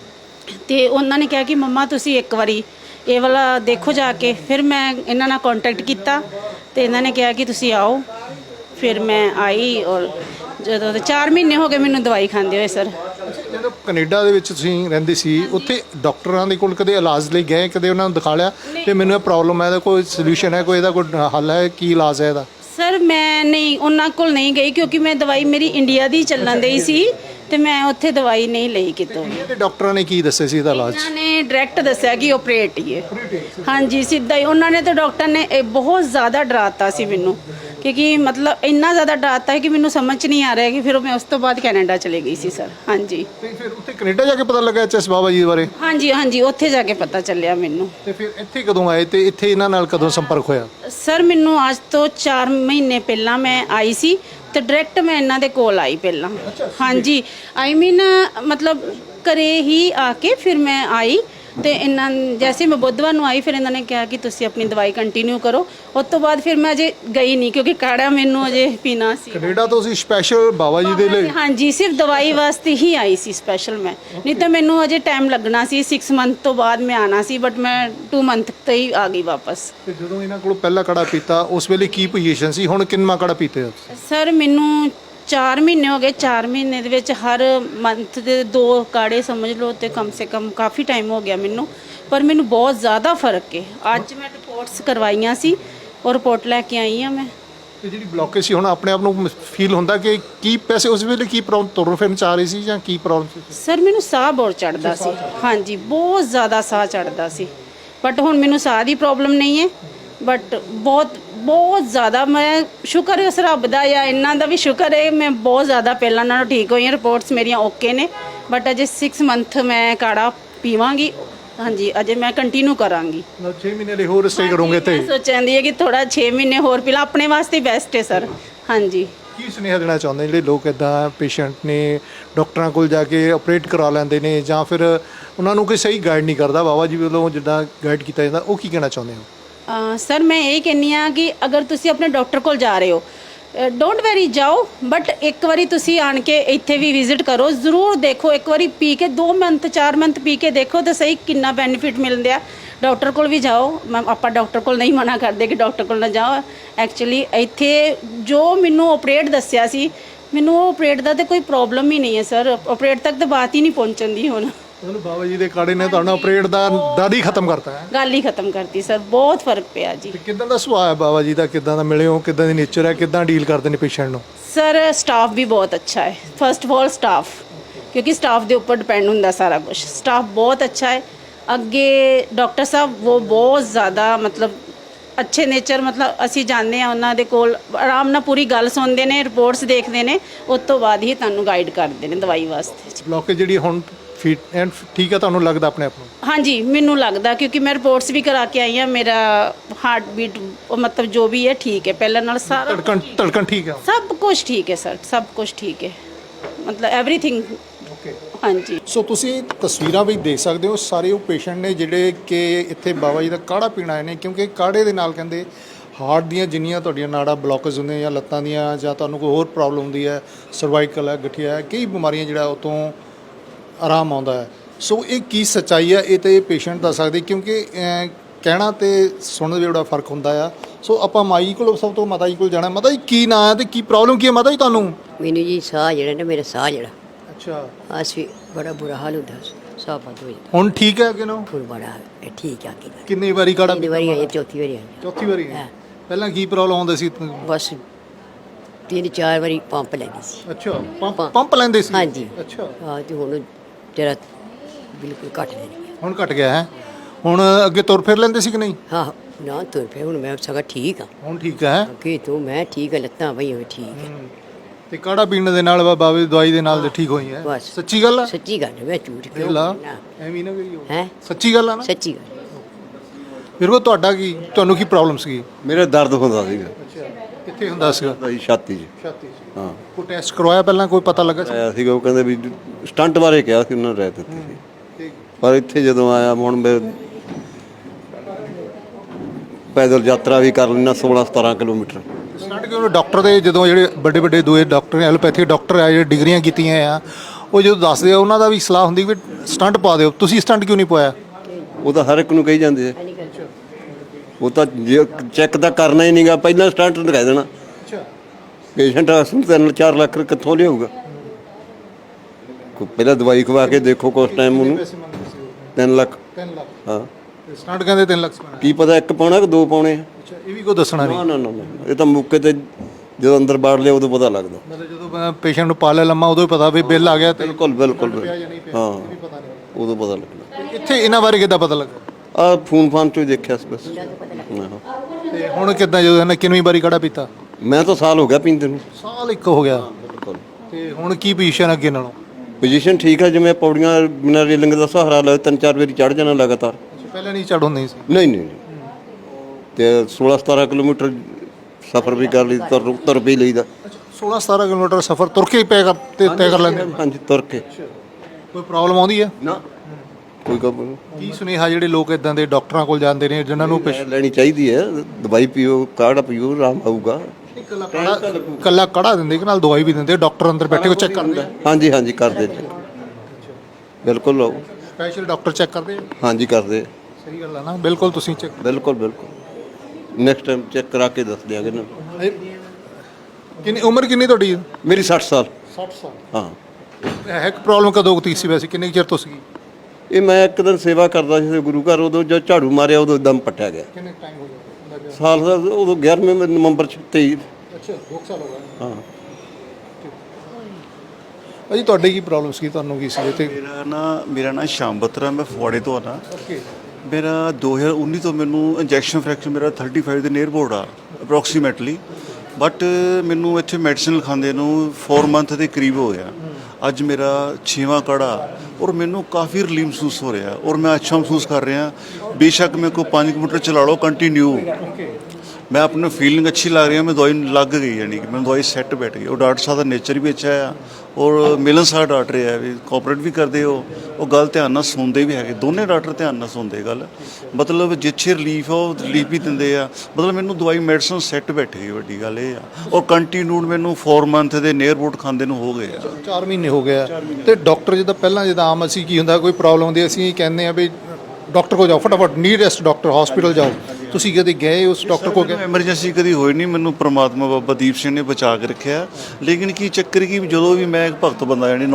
S1: ਤੇ ਉਹਨਾਂ ਨੇ ਕਿਹਾ ਕਿ ਮੰਮਾ ਤੁਸੀਂ ਇੱਕ ਵਾਰੀ ਇਹ ਵਾਲਾ ਦੇਖੋ ਜਾ ਕੇ। ਫਿਰ ਮੈਂ ਇਹਨਾਂ ਨਾਲ ਕੰਟੈਕਟ ਕੀਤਾ ਤੇ ਇਹਨਾਂ ਨੇ ਕਿਹਾ ਕਿ ਤੁਸੀਂ ਆਓ। ਫਿਰ ਮੈਂ ਆਈ, ਔਰ ਜਦੋਂ 4 ਮਹੀਨੇ ਹੋ ਗਏ ਮੈਨੂੰ ਦਵਾਈ ਖਾਂਦੇ ਹੋਏ। ਸਰ
S2: ਜਦੋਂ ਕੈਨੇਡਾ ਦੇ ਵਿੱਚ ਤੁਸੀਂ ਰਹਿੰਦੇ ਸੀ, ਉੱਥੇ ਡਾਕਟਰਾਂ ਦੇ ਕੋਲ ਕਦੇ ਇਲਾਜ ਲਈ ਗਏ? ਕਦੇ ਉਹਨਾਂ ਨੂੰ ਦਿਖਾ ਲਿਆ ਤੇ ਮੈਨੂੰ ਇਹ ਪ੍ਰੋਬਲਮ ਹੈ, ਇਹਦਾ ਕੋਈ ਸੋਲੂਸ਼ਨ ਹੈ, ਕੋਈ ਇਹਦਾ ਕੋਈ ਹੱਲ ਹੈ, ਕੀ ਇਲਾਜ ਹੈ ਇਹਦਾ?
S1: ਸਰ ਮੈਂ ਨਹੀਂ ਉਹਨਾਂ ਕੋਲ ਨਹੀਂ ਗਈ, ਕਿਉਂਕਿ ਮੈਂ ਦਵਾਈ ਮੇਰੀ ਇੰਡੀਆ ਦੀ ਚੱਲਣ ਦੀ ਸੀ, ਤੇ ਮੈਂ ਉੱਥੇ ਦਵਾਈ ਨਹੀਂ ਲਈ ਕਿਤੋਂ।
S2: ਤੇ ਡਾਕਟਰਾਂ ਨੇ ਕੀ ਦੱਸਿਆ ਸੀ ਇਹਦਾ ਇਲਾਜ?
S1: ਉਹਨਾਂ ਨੇ ਡਾਇਰੈਕਟ ਦੱਸਿਆ ਕਿ ਆਪਰੇਟ ਹੀ ਹੈ। ਹਾਂਜੀ ਸਿੱਧਾ ਹੀ ਉਹਨਾਂ ਨੇ ਤੇ ਡਾਕਟਰ ਨੇ ਇਹ ਬਹੁਤ ਜ਼ਿਆਦਾ ਡਰਾਤਾ ਸੀ ਮੈਨੂੰ, ਕਿਉਂਕਿ ਮਤਲਬ ਇੰਨਾ ਜ਼ਿਆਦਾ ਡਰਾਤਾ ਹੈ ਕਿ ਮੈਨੂੰ ਸਮਝ ਨਹੀਂ ਆ ਰਿਹਾ ਕਿ ਫਿਰ ਮੈਂ ਉਸ ਤੋਂ ਬਾਅਦ ਕੈਨੇਡਾ ਚਲੇ ਗਈ ਸੀ। ਸਰ ਹਾਂਜੀ।
S2: ਤੇ ਫਿਰ ਉੱਥੇ ਕੈਨੇਡਾ ਜਾ ਕੇ ਪਤਾ ਲੱਗਾ ਐਚਐਸ ਬਾਬਾ ਜੀ ਬਾਰੇ?
S1: ਹਾਂਜੀ ਹਾਂਜੀ ਉੱਥੇ ਜਾ ਕੇ ਪਤਾ ਚੱਲਿਆ ਮੈਨੂੰ।
S2: ਤੇ ਫਿਰ ਇੱਥੇ ਕਦੋਂ ਆਏ ਤੇ ਇੱਥੇ ਇਹਨਾਂ ਨਾਲ ਕਦੋਂ ਸੰਪਰਕ ਹੋਇਆ?
S1: ਸਰ ਮੈਨੂੰ ਅੱਜ ਤੋਂ 4 ਮਹੀਨੇ ਪਹਿਲਾਂ ਮੈਂ ਆਈ ਸੀ, ਤੇ ਡਾਇਰੈਕਟ ਮੈਂ ਇਹਨਾਂ ਦੇ ਕੋਲ ਆਈ ਪਹਿਲਾਂ। ਹਾਂਜੀ ਆਈ ਮੀਨ ਮਤਲਬ ਘਰੇ ਹੀ ਆ ਕੇ ਫਿਰ ਮੈਂ ਆਈ, ਤੇ ਇਹਨਾਂ ਜੈਸੇ ਮੈਂ ਬੁੱਧਵਾਰ ਨੂੰ ਆਈ, ਫਿਰ ਇਹਨਾਂ ਨੇ ਕਿਹਾ ਕਿ ਤੁਸੀਂ ਆਪਣੀ ਦਵਾਈ ਕੰਟੀਨਿਊ ਕਰੋ। ਉਸ ਤੋਂ ਬਾਅਦ ਫਿਰ ਮੈਂ ਅਜੇ ਗਈ ਨਹੀਂ, ਕਿਉਂਕਿ ਕਾੜਾ ਮੈਨੂੰ ਅਜੇ ਪੀਣਾ ਸੀ।
S2: ਕੈਨੇਡਾ ਤੋਂ ਅਸੀਂ ਸਪੈਸ਼ਲ ਬਾਬਾ ਜੀ ਦੇ ਲਈ?
S1: ਹਾਂਜੀ ਸਿਰਫ ਦਵਾਈ ਵਾਸਤੇ ਹੀ ਆਈ ਸੀ ਸਪੈਸ਼ਲ ਮੈਂ, ਨਹੀਂ ਤਾਂ ਮੈਨੂੰ ਅਜੇ ਟਾਈਮ ਲੱਗਣਾ ਸੀ। 6 ਮੰਥ ਤੋਂ ਬਾਅਦ ਮੈਂ ਆਣਾ ਸੀ, ਬਟ ਮੈਂ 2 ਮੰਥ ਤੇ ਹੀ ਆ ਗਈ ਵਾਪਸ।
S2: ਤੇ ਜਦੋਂ ਇਹਨਾਂ ਕੋਲ ਪਹਿਲਾ ਕੜਾ ਪੀਤਾ ਉਸ ਵੇਲੇ ਕੀ ਪੋਜੀਸ਼ਨ ਸੀ, ਹੁਣ ਕਿੰਨਾ ਕੜਾ ਪੀਤੇ ਹੋ?
S1: ਸਰ ਮੈਨੂੰ 4 ਮਹੀਨੇ ਹੋ ਗਏ। 4 ਮਹੀਨੇ ਦੇ ਵਿੱਚ ਹਰ ਮੰਥ ਦੇ 2 ਕਾੜੇ ਸਮਝ ਲਓ, ਤੇ ਕਮ ਸੇ ਕਮ ਕਾਫੀ ਟਾਈਮ ਹੋ ਗਿਆ ਮੈਨੂੰ, ਪਰ ਮੈਨੂੰ ਬਹੁਤ ਜ਼ਿਆਦਾ ਫਰਕ ਹੈ। ਅੱਜ ਮੈਂ ਰਿਪੋਰਟਸ ਕਰਵਾਈਆਂ ਸੀ, ਔਰ ਰਿਪੋਰਟ ਲੈ ਕੇ ਆਈ ਹਾਂ ਮੈਂ।
S2: ਤੇ ਜਿਹੜੀ ਬਲੌਕੇਜ ਸੀ ਹੁਣ ਆਪਣੇ ਆਪ ਨੂੰ ਫੀਲ ਹੁੰਦਾ ਕਿ ਕੀ ਪੈਸੇ ਉਸ ਵੇਲੇ ਕੀ ਪ੍ਰੋਬਲਮ ਤੁਰਨ ਫਿਰਨ ਚ ਆ ਰਹੀ ਸੀ ਜਾਂ ਕੀ ਪ੍ਰੋਬਲਮ ਸੀ?
S1: ਸਰ ਮੈਨੂੰ ਸਾਹ ਬਹੁਤ ਚੜਦਾ ਸੀ, ਹਾਂਜੀ ਬਹੁਤ ਜ਼ਿਆਦਾ ਸਾਹ ਚੜਦਾ ਸੀ, ਬਟ ਹੁਣ ਮੈਨੂੰ ਸਾਹ ਦੀ ਪ੍ਰੋਬਲਮ ਨਹੀਂ ਹੈ। ਬਟ ਬਹੁਤ ਜ਼ਿਆਦਾ ਮੈਂ ਸ਼ੁਕਰ ਹੈ ਉਸ ਰੱਬ ਦਾ ਜਾਂ ਇਹਨਾਂ ਦਾ ਵੀ ਸ਼ੁਕਰ ਹੈ, ਮੈਂ ਬਹੁਤ ਜ਼ਿਆਦਾ ਪਹਿਲਾਂ ਨਾਲੋਂ ਠੀਕ ਹੋਈ ਹਾਂ। ਰਿਪੋਰਟਸ ਮੇਰੀਆਂ ਓਕੇ ਨੇ, ਬਟ ਅਜੇ 6 ਮੰਥ ਮੈਂ ਕਾੜਾ ਪੀਵਾਂਗੀ, ਹਾਂਜੀ ਅਜੇ ਮੈਂ ਕੰਟੀਨਿਊ ਕਰਾਂਗੀ।
S2: 6 ਮਹੀਨੇ ਲਈ ਹੋਰ ਸਟੇ ਕਰੋਗੇ ਤੇ
S1: ਮੈਂ ਸੋਚਾਂਦੀ ਹੈ ਕਿ ਥੋੜਾ 6 ਮਹੀਨੇ ਹੋਰ ਪੀ ਲਾਂ, ਆਪਣੇ ਵਾਸਤੇ ਬੈਸਟ ਹੈ ਸਰ। ਹਾਂਜੀ
S2: ਕੀ ਸੁਨੇਹਾ ਦੇਣਾ ਚਾਹੁੰਦੇ ਜਿਹੜੇ ਲੋਕ ਇਦਾਂ ਪੇਸ਼ੈਂਟ ਨੇ ਡਾਕਟਰਾਂ ਕੋਲ ਜਾ ਕੇ ਆਪਰੇਟ ਕਰਾ ਲੈਂਦੇ ਨੇ ਜਾਂ ਫਿਰ ਉਹਨਾਂ ਨੂੰ ਕੋਈ ਸਹੀ ਗਾਈਡ ਨਹੀਂ ਕਰਦਾ, ਬਾਬਾ ਜੀ ਵੱਲੋਂ ਜਿੱਦਾਂ ਗਾਈਡ ਕੀਤਾ ਜਾਂਦਾ, ਉਹ ਕੀ ਕਹਿਣਾ ਚਾਹੁੰਦੇ ਹੋ?
S1: ਸਰ ਮੈਂ ਇਹ ਕਹਿੰਦੀ ਹਾਂ ਕਿ ਅਗਰ ਤੁਸੀਂ ਆਪਣੇ ਡਾਕਟਰ ਕੋਲ ਜਾ ਰਹੇ ਹੋ, ਡੋਂਟ ਵੈਰੀ ਜਾਓ, ਬਟ ਇੱਕ ਵਾਰੀ ਤੁਸੀਂ ਆਣ ਕੇ ਇੱਥੇ ਵੀ ਵਿਜ਼ਿਟ ਕਰੋ, ਜ਼ਰੂਰ ਦੇਖੋ, ਇੱਕ ਵਾਰੀ ਪੀ ਕੇ 2 ਮੰਥ 4 ਮੰਥ ਪੀ ਕੇ ਦੇਖੋ ਤਾਂ ਸਹੀ ਕਿੰਨਾ ਬੈਨੀਫਿਟ ਮਿਲਦੇ ਆ। ਡਾਕਟਰ ਕੋਲ ਵੀ ਜਾਓ, ਆਪਾਂ ਡਾਕਟਰ ਕੋਲ ਨਹੀਂ ਮਨਾ ਕਰਦੇ ਕਿ ਡਾਕਟਰ ਕੋਲ ਨਾ ਜਾਓ। ਐਕਚੁਅਲੀ ਇੱਥੇ ਜੋ ਮੈਨੂੰ ਆਪਰੇਟ ਦੱਸਿਆ ਸੀ, ਮੈਨੂੰ ਉਹ ਆਪਰੇਟ ਦਾ ਤਾਂ ਕੋਈ ਪ੍ਰੋਬਲਮ ਹੀ ਨਹੀਂ ਹੈ ਸਰ, ਆਪਰੇਟ ਤੱਕ ਤਾਂ ਬਾਤ ਹੀ ਨਹੀਂ ਪਹੁੰਚਣ ਦੀ ਹੁਣ।
S2: ਮਤਲਬ ਬਾਬਾ ਜੀ ਦੇ ਕਾੜੇ ਨੇ ਤੁਹਾਨੂੰ ਆਪਰੇਟ ਦਾ ਦਾਦੀ ਖਤਮ ਕਰਤਾ ਹੈ,
S1: ਗੱਲ ਹੀ ਖਤਮ ਕਰਤੀ ਸਰ, ਬਹੁਤ ਫਰਕ ਪਿਆ ਜੀ।
S2: ਤੇ ਕਿੱਦਾਂ ਦਾ ਸੁਭਾਅ ਹੈ ਬਾਬਾ ਜੀ ਦਾ, ਕਿੱਦਾਂ ਦਾ ਮਿਲੇ ਹੋ, ਕਿੱਦਾਂ ਦੀ ਨੇਚਰ ਹੈ, ਕਿੱਦਾਂ ਡੀਲ ਕਰਦੇ ਨੇ ਪੇਸ਼ੈਂਟ ਨੂੰ?
S1: ਸਰ ਸਟਾਫ ਵੀ ਬਹੁਤ ਅੱਛਾ ਹੈ, ਫਸਟ ਆਫ ਆਲ ਸਟਾਫ, ਕਿਉਂਕਿ ਸਟਾਫ ਦੇ ਉੱਪਰ ਡਿਪੈਂਡ ਹੁੰਦਾ ਸਾਰਾ ਕੁਝ। ਸਟਾਫ ਬਹੁਤ ਅੱਛਾ ਹੈ। ਅੱਗੇ ਡਾਕਟਰ ਸਾਹਿਬ ਉਹ ਬਹੁਤ ਜ਼ਿਆਦਾ ਮਤਲਬ ਅੱਛੇ ਨੇਚਰ, ਮਤਲਬ ਅਸੀਂ ਜਾਂਦੇ ਹਾਂ ਉਹਨਾਂ ਦੇ ਕੋਲ, ਆਰਾਮ ਨਾਲ ਪੂਰੀ ਗੱਲ ਸੁਣਦੇ ਨੇ, ਰਿਪੋਰਟਸ ਦੇਖਦੇ ਨੇ, ਉਸ ਤੋਂ ਬਾਅਦ ਹੀ ਤੁਹਾਨੂੰ ਗਾਈਡ ਕਰਦੇ ਨੇ ਦਵਾਈ ਵਾਸਤੇ।
S2: ਬਲੌਕੇਜ ਜਿਹੜੀ ਹੁਣ ਫਿਟ ਐਂਡ ਠੀਕ ਹੈ ਤੁਹਾਨੂੰ ਲੱਗਦਾ ਆਪਣੇ ਆਪ ਨੂੰ?
S1: ਹਾਂਜੀ ਮੈਨੂੰ ਲੱਗਦਾ, ਕਿਉਂਕਿ ਮੈਂ ਰਿਪੋਰਟਸ ਵੀ ਕਰਾ ਕੇ ਆਈ ਹਾਂ, ਮੇਰਾ ਹਾਰਟ ਬੀਟ ਮਤਲਬ ਜੋ ਵੀ ਹੈ ਠੀਕ ਹੈ, ਪਹਿਲਾਂ ਨਾਲ ਸਾਰਾ
S2: ਧੜਕਣ ਠੀਕ ਹੈ,
S1: ਸਭ ਕੁਝ ਠੀਕ ਹੈ ਸਰ, ਸਭ ਕੁਝ ਠੀਕ ਹੈ, ਮਤਲਬ ਐਵਰੀਥਿੰਗ।
S2: ਓਕੇ।
S1: ਹਾਂਜੀ
S2: ਸੋ ਤੁਸੀਂ ਤਸਵੀਰਾਂ ਵੀ ਦੇਖ ਸਕਦੇ ਹੋ, ਸਾਰੇ ਉਹ ਪੇਸ਼ੈਂਟ ਨੇ ਜਿਹੜੇ ਕਿ ਇੱਥੇ ਬਾਬਾ ਜੀ ਦਾ ਕਾੜਾ ਪੀਣ ਆਏ ਨੇ, ਕਿਉਂਕਿ ਕਾੜੇ ਦੇ ਨਾਲ ਕਹਿੰਦੇ ਹਾਰਟ ਦੀਆਂ ਜਿੰਨੀਆਂ ਤੁਹਾਡੀਆਂ ਨਾੜਾਂ ਬਲੌਕੇਜ ਹੁੰਦੀਆਂ ਜਾਂ ਲੱਤਾਂ ਦੀਆਂ ਜਾਂ ਤੁਹਾਨੂੰ ਕੋਈ ਹੋਰ ਪ੍ਰੋਬਲਮ ਹੁੰਦੀ ਹੈ, ਸਰਵਾਈਕਲ ਹੈ, ਗਠੀਆ ਹੈ, ਕਈ ਬਿਮਾਰੀਆਂ ਜਿਹੜਾ ਉਹ ਤੋਂ ਆਰਾਮ ਆਉਂਦਾ ਹੈ। ਸੋ ਇਹ ਕੀ ਸੱਚਾਈ ਹੈ ਇਹ ਤਾਂ ਪੇਸ਼ੈਂਟ ਦੱਸ ਸਕਦੇ, ਕਿਉਂਕਿ ਕਹਿਣਾ ਤੇ ਸੁਣਨ ਦੇ ਬੜਾ ਫਰਕ ਹੁੰਦਾ ਆ। ਸੋ ਆਪਾਂ ਮਾਈ ਕੋਲ ਸਭ ਤੋਂ ਮਾਤਾ ਜੀ ਕੋਲ ਜਾਣਾ। ਮਾਤਾ ਜੀ ਕੀ ਨਾਂ ਹੈ ਤੇ ਕੀ ਪ੍ਰੋਬਲਮ ਕੀ ਹੈ ਮਾਤਾ ਜੀ ਤੁਹਾਨੂੰ?
S5: ਮੈਨੂੰ ਜੀ ਸਾਹ ਜਿਹੜਾ ਨਾ, ਮੇਰਾ ਸਾਹ ਜਿਹੜਾ
S2: ਅੱਛਾ,
S5: ਅਸੀਂ ਬੜਾ ਬੁਰਾ ਹਾਲ ਹੁੰਦਾ ਸੀ, ਸਾਹ ਬੰਦ ਹੋ ਜਾਂਦਾ।
S2: ਹੁਣ ਠੀਕ ਹੈ ਕਿ ਨਾ?
S5: ਹੁਣ ਬੜਾ ਠੀਕ ਆ ਕੇ
S2: ਕਿੰਨੀ ਵਾਰੀ ਕਾੜਾ
S5: ਤਿੰਨ ਵਾਰੀ ਆਈ, ਚੌਥੀ ਵਾਰੀ ਆਈ।
S2: ਚੌਥੀ ਵਾਰੀ ਹੈ। ਪਹਿਲਾਂ ਕੀ ਪ੍ਰੋਬਲਮ ਆਉਂਦੀ ਸੀ?
S5: ਬਸ 3-4 ਵਾਰੀ ਪੰਪ ਲੈਂਦੀ ਸੀ।
S2: ਅੱਛਾ, ਪੰਪ ਲੈਂਦੇ ਸੀ?
S5: ਹਾਂਜੀ।
S2: ਅੱਛਾ,
S5: ਹਾਂ ਤੇ ਹੁਣ ਜਰਾ ਬਿਲਕੁਲ ਘੱਟ ਲੈਣੀ।
S2: ਹੁਣ ਘਟ ਗਿਆ ਹੈ। ਹੁਣ ਅੱਗੇ ਤੁਰ ਫਿਰ ਲੈਂਦੇ ਸੀ ਕਿ ਨਹੀਂ?
S5: ਹਾਂ ਨਾ ਤੁਰ ਪਏ, ਹੁਣ ਮੈਂ ਸਗਾ ਠੀਕ ਆ।
S2: ਹੁਣ ਠੀਕ ਹੈ।
S5: ਅੱਗੇ ਤੋਂ ਮੈਂ ਠੀਕ ਆ, ਲੱਤਾਂ ਬਈ ਹੋਵੇ ਠੀਕ ਹੈ।
S2: ਤੇ ਕਾੜਾ ਪੀਣ ਦੇ ਨਾਲ ਬਾਬਾ ਦੀ ਦਵਾਈ ਦੇ ਨਾਲ ਤੇ ਠੀਕ ਹੋਈ ਹੈ?
S5: ਬਸ
S2: ਸੱਚੀ ਗੱਲ ਹੈ?
S5: ਸੱਚੀ ਗੱਲ ਹੈ, ਮੈਂ ਝੂਠ ਕਿਉਂ
S2: ਲਾ
S5: ਬੋਲਣਾ?
S2: ਐਵੇਂ ਨਾ ਕਹੀਓ,
S5: ਹੈ
S2: ਸੱਚੀ ਗੱਲ ਆ ਨਾ।
S5: ਸੱਚੀ ਗੱਲ।
S2: ਫਿਰ ਉਹ ਤੁਹਾਡਾ ਕੀ, ਤੁਹਾਨੂੰ ਕੀ ਪ੍ਰੋਬਲਮ ਸੀਗੀ?
S6: ਮੇਰੇ ਦਰਦ ਹੁੰਦਾ ਸੀਗਾ
S2: ਅੱਛਾ, ਕਿੱਥੇ ਹੁੰਦਾ ਸੀਗਾ?
S6: ਜੀ ਛਾਤੀ 'ਚ।
S2: ਛਾਤੀ ਸੀ।
S6: ਹਾਂ,
S2: ਕੋਈ ਟੈਸਟ ਕਰਵਾਇਆ ਪਹਿਲਾਂ, ਕੋਈ ਪਤਾ ਲੱਗਾ ਸੀ?
S6: ਆਇਆ ਸੀਗਾ, ਉਹ ਕਹਿੰਦੇ ਵੀ ਸਟੰਟ ਬਾਰੇ ਕਿਹਾ ਸੀ ਉਹਨਾਂ ਨੇ, ਰਹਿ ਦਿੱਤੀ ਸੀ।
S2: ਠੀਕ।
S6: ਪਰ ਇੱਥੇ ਜਦੋਂ ਆਇਆ ਹੁਣ ਮੈਂ ਪੈਦਲ ਯਾਤਰਾ ਵੀ ਕਰ ਲੈਣਾ 16-17 ਕਿਲੋਮੀਟਰ।
S2: ਸਟੰਟ ਕਿਉਂ? ਡਾਕਟਰ ਦੇ ਜਦੋਂ ਜਿਹੜੇ ਵੱਡੇ ਵੱਡੇ ਦੋਏ ਡਾਕਟਰ ਨੇ, ਐਲੋਪੈਥਿਕ ਡਾਕਟਰ ਆ ਜਿਹੜੇ ਡਿਗਰੀਆਂ ਕੀਤੀਆਂ ਆ, ਉਹ ਜਦੋਂ ਦੱਸਦੇ ਆ ਉਹਨਾਂ ਦਾ ਵੀ ਸਲਾਹ ਹੁੰਦੀ ਵੀ ਸਟੰਟ ਪਾ ਦਿਓ। ਤੁਸੀਂ ਸਟੰਟ ਕਿਉਂ ਨਹੀਂ ਪਾਇਆ?
S6: ਉਹ ਤਾਂ ਹਰ ਇੱਕ ਨੂੰ ਕਹੀ ਜਾਂਦੇ ਆ, ਉਹ ਤਾਂ ਜੇ ਚੈੱਕ ਤਾਂ ਕਰਨਾ ਹੀ ਨਹੀਂਗਾ, ਪਹਿਲਾਂ ਸਟੰਟ ਦਿਖਾ ਦੇਣਾ।
S2: ਅੱਛਾ,
S6: ਪੇਸ਼ੈਂਟ 3-4 ਲੱਖ ਕਿੱਥੋਂ ਲਿਆਊਗਾ? ਪਹਿਲਾਂ ਦਵਾਈ ਖਵਾ ਕੇ ਦੇਖੋ, ਕੁਛ ਟਾਈਮ ਉਹਨੂੰ 3 ਲੱਖ।
S2: 3 ਲੱਖ।
S6: ਹਾਂ,
S2: ਸਟੰਟ ਕਹਿੰਦੇ 3 ਲੱਖ ਪਾਣਾ।
S6: ਕੀ ਪਤਾ 1 ਪਾਉਣਾ ਕਿ 2 ਪਾਉਣੇ ਆ।
S2: ਅੱਛਾ, ਇਹ ਵੀ ਕੋਈ ਦੱਸਣਾ ਨਹੀਂ?
S6: ਨਾ ਨਾ ਨਾ, ਇਹ ਤਾਂ ਮੌਕੇ ਤੇ ਜਦੋਂ ਅੰਦਰ ਬਾੜ ਲਿਆ ਉਦੋਂ ਪਤਾ ਲੱਗਦਾ।
S2: ਮਤਲਬ ਜਦੋਂ ਪੇਸ਼ੈਂਟ ਨੂੰ ਪਾ ਲਿਆ ਲੰਮਾ, ਉਦੋਂ ਹੀ ਪਤਾ ਵੀ ਬਿੱਲ ਆ ਗਿਆ ਤੇ
S6: ਬਿਲਕੁਲ ਬਿਲਕੁਲ ਹਾਂ,
S2: ਪਤਾ ਨਹੀਂ।
S6: ਉਦੋਂ ਪਤਾ ਲੱਗਦਾ।
S2: ਇੱਥੇ ਇਹਨਾਂ ਬਾਰੇ ਕਿੱਦਾਂ ਪਤਾ ਲੱਗਾ?
S6: ਆ ਫੋਨ ਫਾਨ ਚੋਂ ਹੀ ਦੇਖਿਆ ਸੀ ਬਸ। ਆਹੋ।
S2: ਤੇ ਹੁਣ ਕਿੱਦਾਂ, ਜਦੋਂ ਇਹਨਾਂ ਕਿੰਨੀ ਵਾਰੀ ਕਾੜਾ ਪੀਤਾ?
S6: ਮੈਂ ਤਾਂ ਸਾਲ ਹੋ ਗਿਆ ਪੀਂਦੇ ਨੂੰ।
S2: ਸਾਲ ਇੱਕ ਹੋ ਗਿਆ।
S6: ਬਿਲਕੁਲ।
S2: ਤੇ ਹੁਣ ਕੀ ਪੋਜੀਸ਼ਨ ਅੱਗੇ ਨਾਲੋਂ?
S6: ਪੋਜੀਸ਼ਨ ਠੀਕ ਹੈ, ਜਿਵੇਂ ਪੌੜੀਆਂ ਬਿਨਾਂ ਰੇਲਿੰਗ ਦਾ ਸਹਾਰਾ ਲਓ, 3-4 ਵਾਰੀ ਚੜ੍ਹ ਜਾਣਾ ਲਗਾਤਾਰ।
S2: ਪਹਿਲਾਂ ਨਹੀਂ ਚੜ੍ਹ ਹੁੰਦੀ ਸੀ?
S6: ਨਹੀਂ ਨਹੀਂ ਤੇ 16-17 ਕਿਲੋਮੀਟਰ ਸਫ਼ਰ ਵੀ ਕਰ ਲਈ, ਤੁਰ ਵੀ ਲਈਦਾ।
S2: 16-17 ਕਿਲੋਮੀਟਰ ਸਫ਼ਰ ਤੁਰ ਕੇ ਤੈਅ ਕਰ ਲੈਂਦੇ?
S6: ਹਾਂਜੀ, ਤੁਰ ਕੇ।
S2: ਕੋਈ ਪ੍ਰੋਬਲਮ ਆਉਂਦੀ ਹੈ?
S6: ਨਾ, ਕੋਈ ਕੰਮ ਨਹੀਂ।
S2: ਕੀ ਸੁਨੇਹਾ ਜਿਹੜੇ ਲੋਕ ਇਦਾਂ ਦੇ ਡਾਕਟਰਾਂ ਕੋਲ ਜਾਂਦੇ ਨੇ ਜਿਨ੍ਹਾਂ ਨੂੰ
S6: ਲੈਣੀ ਚਾਹੀਦੀ ਹੈ, ਦਵਾਈ ਪੀਓ, ਕਾੜਾ ਪੀਓ, ਆਰਾਮ ਆਊਗਾ।
S2: ਕੱਲਾ ਕਾੜਾ ਦਿੰਦੇ ਕਿ ਨਾਲ ਦਵਾਈ ਵੀ ਦਿੰਦੇ? ਡਾਕਟਰ ਅੰਦਰ ਬੈਠੇ ਕੋ ਚੈੱਕ ਕਰਦੇ?
S6: ਹਾਂਜੀ ਹਾਂਜੀ, ਕਰਦੇ ਜੀ, ਬਿਲਕੁਲ ਲਓ।
S2: ਸਪੈਸ਼ਲ ਡਾਕਟਰ ਚੈੱਕ ਕਰਦੇ?
S6: ਹਾਂਜੀ ਕਰਦੇ।
S2: ਸਹੀ ਗੱਲ ਹੈ ਨਾ, ਬਿਲਕੁਲ ਤੁਸੀਂ ਚੈੱਕ।
S6: ਬਿਲਕੁਲ ਬਿਲਕੁਲ, ਨੈਕਸਟ ਟਾਈਮ ਚੈੱਕ ਕਰਾ ਕੇ ਦੱਸ ਦਿਆਂਗੇ ਨਾ।
S2: ਕਿੰਨੀ ਉਮਰ ਕਿੰਨੀ ਤੁਹਾਡੀ?
S6: ਮੇਰੀ 60 ਸਾਲ।
S2: 60 ਸਾਲ।
S6: ਹਾਂ,
S2: ਹੈ ਕਿ ਪ੍ਰੋਬਲਮ ਕਦੋਂ ਕੁ ਸੀ ਵੈਸੇ, ਕਿੰਨੇ ਚਿਰ ਤੋਂ ਸੀਗੀ?
S6: ਇਹ ਮੈਂ ਇੱਕ ਦਿਨ ਸੇਵਾ ਕਰਦਾ ਸੀ ਗੁਰੂ ਘਰ, ਉਦੋਂ ਜਦ ਝਾੜੂ ਮਾਰਿਆ ਉਦੋਂ ਦਮ ਪੱਟਿਆ ਗਿਆ।
S2: ਕਿੰਨੇ ਟਾਈਮ ਹੋ ਗਿਆ?
S6: ਸਾਲ ਦਾ ਉਦੋਂ 11ਵੇਂ ਨਵੰਬਰ 'ਚ 23।
S2: ਅੱਛਾ 2 ਸਾਲ ਹੋ ਗਏ।
S6: ਹਾਂ
S2: ਭਾਜੀ ਤੁਹਾਡੇ ਕੀ ਪ੍ਰੋਬਲਮ ਸੀ, ਤੁਹਾਨੂੰ ਕੀ ਸੀ ਤੇ?
S7: ਮੇਰਾ ਨਾਂ ਸ਼ਾਮ ਬਤਰਾ, ਮੈਂ ਫਗਵਾੜੇ ਤੋਂ ਆਉਣਾ।
S2: ਓਕੇ।
S7: ਮੇਰਾ 2019 ਤੋਂ ਮੈਨੂੰ ਇੰਜੈਕਸ਼ਨ ਫ੍ਰੈਕਚਰ ਮੇਰਾ 35 ਦੇ ਨੀਅਰ ਅਬਾਊਟ ਆ ਅਪਰੋਕਸੀਮੇਟਲੀ, ਬਟ ਮੈਨੂੰ ਇੱਥੇ ਮੈਡੀਸਿਨ ਲਿਖਾਉਂਦੇ ਨੂੰ 4 ਮੰਥ ਦੇ ਕਰੀਬ ਹੋ ਗਿਆ। ਅੱਜ ਮੇਰਾ 6ਵਾਂ ਕਾੜਾ ਔਰ ਮੈਨੂੰ ਕਾਫੀ ਰਿਲੀਫ ਮਹਿਸੂਸ ਹੋ ਰਿਹਾ ਔਰ ਮੈਂ ਅੱਛਾ ਮਹਿਸੂਸ ਕਰ ਰਿਹਾ। ਬੇਸ਼ੱਕ ਮੇਰੇ ਕੋਲ 5 ਕਿਲੋਮੀਟਰ ਚਲਾ ਲਓ ਕੰਟੀਨਿਊ, ਮੈਂ ਆਪਣੀ ਫੀਲਿੰਗ ਅੱਛੀ ਲੱਗ ਰਹੀ ਹੈ। ਮੈਂ ਦਵਾਈ ਲੱਗ ਗਈ, ਯਾਨੀ ਕਿ ਮੈਨੂੰ ਦਵਾਈ ਸੈੱਟ ਬੈਠ ਗਈ। ਉਹ ਡਾਕਟਰ ਸਾਹਿਬ ਦਾ ਨੇਚਰ ਵੀ ਅੱਛਾ ਆ ਔਰ ਮਿਲਣਸਾਰ ਡਾਕਟਰ ਹੈ, ਵੀ ਕੋਆਪਰੇਟ ਵੀ ਕਰਦੇ ਉਹ ਗੱਲ ਧਿਆਨ ਨਾਲ ਸੁਣਦੇ ਵੀ ਹੈਗੇ। ਦੋਨੇ ਡਾਕਟਰ ਧਿਆਨ ਨਾਲ ਸੁਣਦੇ ਗੱਲ, ਮਤਲਬ ਜਿੱਥੇ ਰਿਲੀਫ ਆ ਉਹ ਰਿਲੀਫ ਵੀ ਦਿੰਦੇ ਆ। ਮਤਲਬ ਮੈਨੂੰ ਦਵਾਈ ਮੈਡੀਸਨ ਸੈੱਟ ਬੈਠ ਗਈ, ਵੱਡੀ ਗੱਲ ਇਹ ਆ। ਔਰ ਕੰਟੀਨਿਊਡ ਮੈਨੂੰ 4 ਮੰਥ ਦੇ ਨੀਅਰ ਅਬਾਊਟ ਖਾਂਦੇ ਨੂੰ ਹੋ ਗਏ ਆ।
S2: 4 ਮਹੀਨੇ ਹੋ ਗਏ ਆ। ਤੇ ਡਾਕਟਰ ਜਿੱਦਾਂ ਪਹਿਲਾਂ ਜਿੱਦਾਂ ਆਮ ਅਸੀਂ ਕੀ ਹੁੰਦਾ, ਕੋਈ ਪ੍ਰੋਬਲਮ ਹੁੰਦੀ ਅਸੀਂ ਕਹਿੰਦੇ ਆ ਵੀ ਡਾਕਟਰ ਕੋਲ ਜਾਓ, ਫਟਾਫਟ ਨੀਅਰੈਸਟ ਡਾਕਟਰ ਹਸਪੀਟਲ ਜਾਓ। ਤੁਸੀਂ ਕਦੇ ਗਏ ਉਸ ਡਾਕਟਰ ਕੋਲ?
S7: ਐਮਰਜੈਂਸੀ ਕਦੀ ਹੋਈ ਨਹੀਂ, ਮੈਨੂੰ ਪ੍ਰਮਾਤਮਾ ਬਾਬਾ ਦੀਪ ਸਿੰਘ ਨੇ ਬਚਾ ਕੇ ਰੱਖਿਆ। ਲੇਕਿਨ ਕੀ ਚੱਕਰ ਕੀ ਜਦੋਂ ਵੀ ਮੈਂ ਇੱਕ ਭਗਤ ਬੰਦਾ, ਯਾਨੀ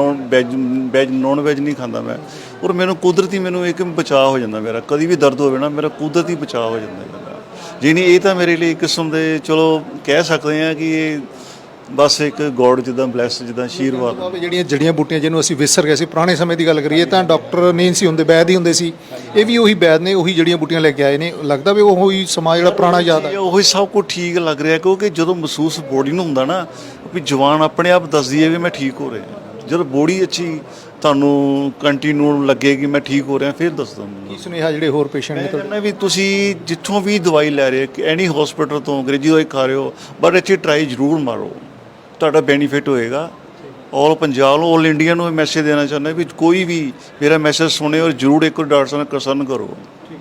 S7: ਨੋਨ ਵੈਜ ਨਹੀਂ ਖਾਂਦਾ ਮੈਂ, ਔਰ ਮੈਨੂੰ ਕੁਦਰਤੀ ਮੈਨੂੰ ਇੱਕ ਬਚਾਅ ਹੋ ਜਾਂਦਾ। ਮੇਰਾ ਕਦੀ ਵੀ ਦਰਦ ਹੋਵੇ ਨਾ, ਮੇਰਾ ਕੁਦਰਤੀ ਬਚਾਅ ਹੋ ਜਾਂਦਾ ਮੇਰਾ। ਜਿਹਨੀ ਇਹ ਤਾਂ ਮੇਰੇ ਲਈ ਇੱਕ ਕਿਸਮ ਦੇ ਚਲੋ ਕਹਿ ਸਕਦੇ ਹਾਂ ਕਿ ਇਹ ਬਸ ਇੱਕ ਗੋਡ ਜਿੱਦਾਂ ਬਲੈਸ, ਜਿੱਦਾਂ ਆਸ਼ੀਰਵਾਦ।
S2: ਜਿਹੜੀਆਂ ਜੜੀਆਂ ਬੂਟੀਆਂ ਜਿਹਨੂੰ ਅਸੀਂ ਵਿਸਰ ਗਏ ਸੀ ਪੁਰਾਣੇ ਸਮੇਂ ਦੀ ਗੱਲ ਕਰੀਏ ਤਾਂ ਡਾਕਟਰ ਨਹੀਂ ਸੀ ਹੁੰਦੇ, ਵੈਦ ਹੀ ਹੁੰਦੇ ਸੀ। ਇਹ ਵੀ ਉਹੀ ਵੈਦ ਨੇ, ਉਹੀ ਜੜੀਆਂ ਬੂਟੀਆਂ ਲੈ ਕੇ ਆਏ ਨੇ। ਲੱਗਦਾ ਵੀ ਉਹੀ ਸਮਾਂ ਜਿਹੜਾ ਪੁਰਾਣਾ ਯਾਦ ਆ।
S7: ਉਹੀ ਸਭ ਕੁਝ ਠੀਕ ਲੱਗ ਰਿਹਾ, ਕਿਉਂਕਿ ਜਦੋਂ ਮਹਿਸੂਸ ਬੋਡੀ ਨੂੰ ਹੁੰਦਾ ਨਾ ਵੀ ਜਵਾਨ ਆਪਣੇ ਆਪ ਦੱਸਦੀ ਹੈ ਵੀ ਮੈਂ ਠੀਕ ਹੋ ਰਿਹਾ। ਜਦੋਂ ਬੋਡੀ ਅੱਛੀ ਤੁਹਾਨੂੰ ਕੰਟੀਨਿਊ ਲੱਗੇ ਕਿ ਮੈਂ ਠੀਕ ਹੋ ਰਿਹਾ, ਫਿਰ ਦੱਸਦਾ ਮੈਨੂੰ।
S2: ਕੀ ਸੁਨੇਹਾ ਜਿਹੜੇ ਹੋਰ ਪੇਸ਼ੈਂਟ ਨੇ
S7: ਕਹਿੰਦਾ ਵੀ ਤੁਸੀਂ ਜਿੱਥੋਂ ਵੀ ਦਵਾਈ ਲੈ ਰਹੇ ਹੋ, ਐਨੀ ਹਸਪੀਟਲ ਤੋਂ ਅੰਗਰੇਜ਼ੀ ਦਵਾਈ ਖਾ ਰਹੇ ਹੋ, ਬਟ ਇੱਥੇ ਟਰਾਈ ਜ਼ਰੂਰ ਮਾਰੋ, ਤੁਹਾਡਾ ਬੈਨੀਫਿਟ ਹੋਏਗਾ। ਆਲ ਪੰਜਾਬ ਨੂੰ, ਆਲ ਇੰਡੀਆ ਨੂੰ ਮੈਸੇਜ ਦੇਣਾ ਚਾਹੁੰਦਾ ਵੀ ਕੋਈ ਵੀ ਮੇਰਾ ਮੈਸੇਜ ਸੁਣੇ ਔਰ ਜ਼ਰੂਰ ਇੱਕ ਵਾਰ ਡਾਕਟਰ ਸਾਹਿਬ ਨਾਲ ਕੰਸਰਨ ਕਰੋ।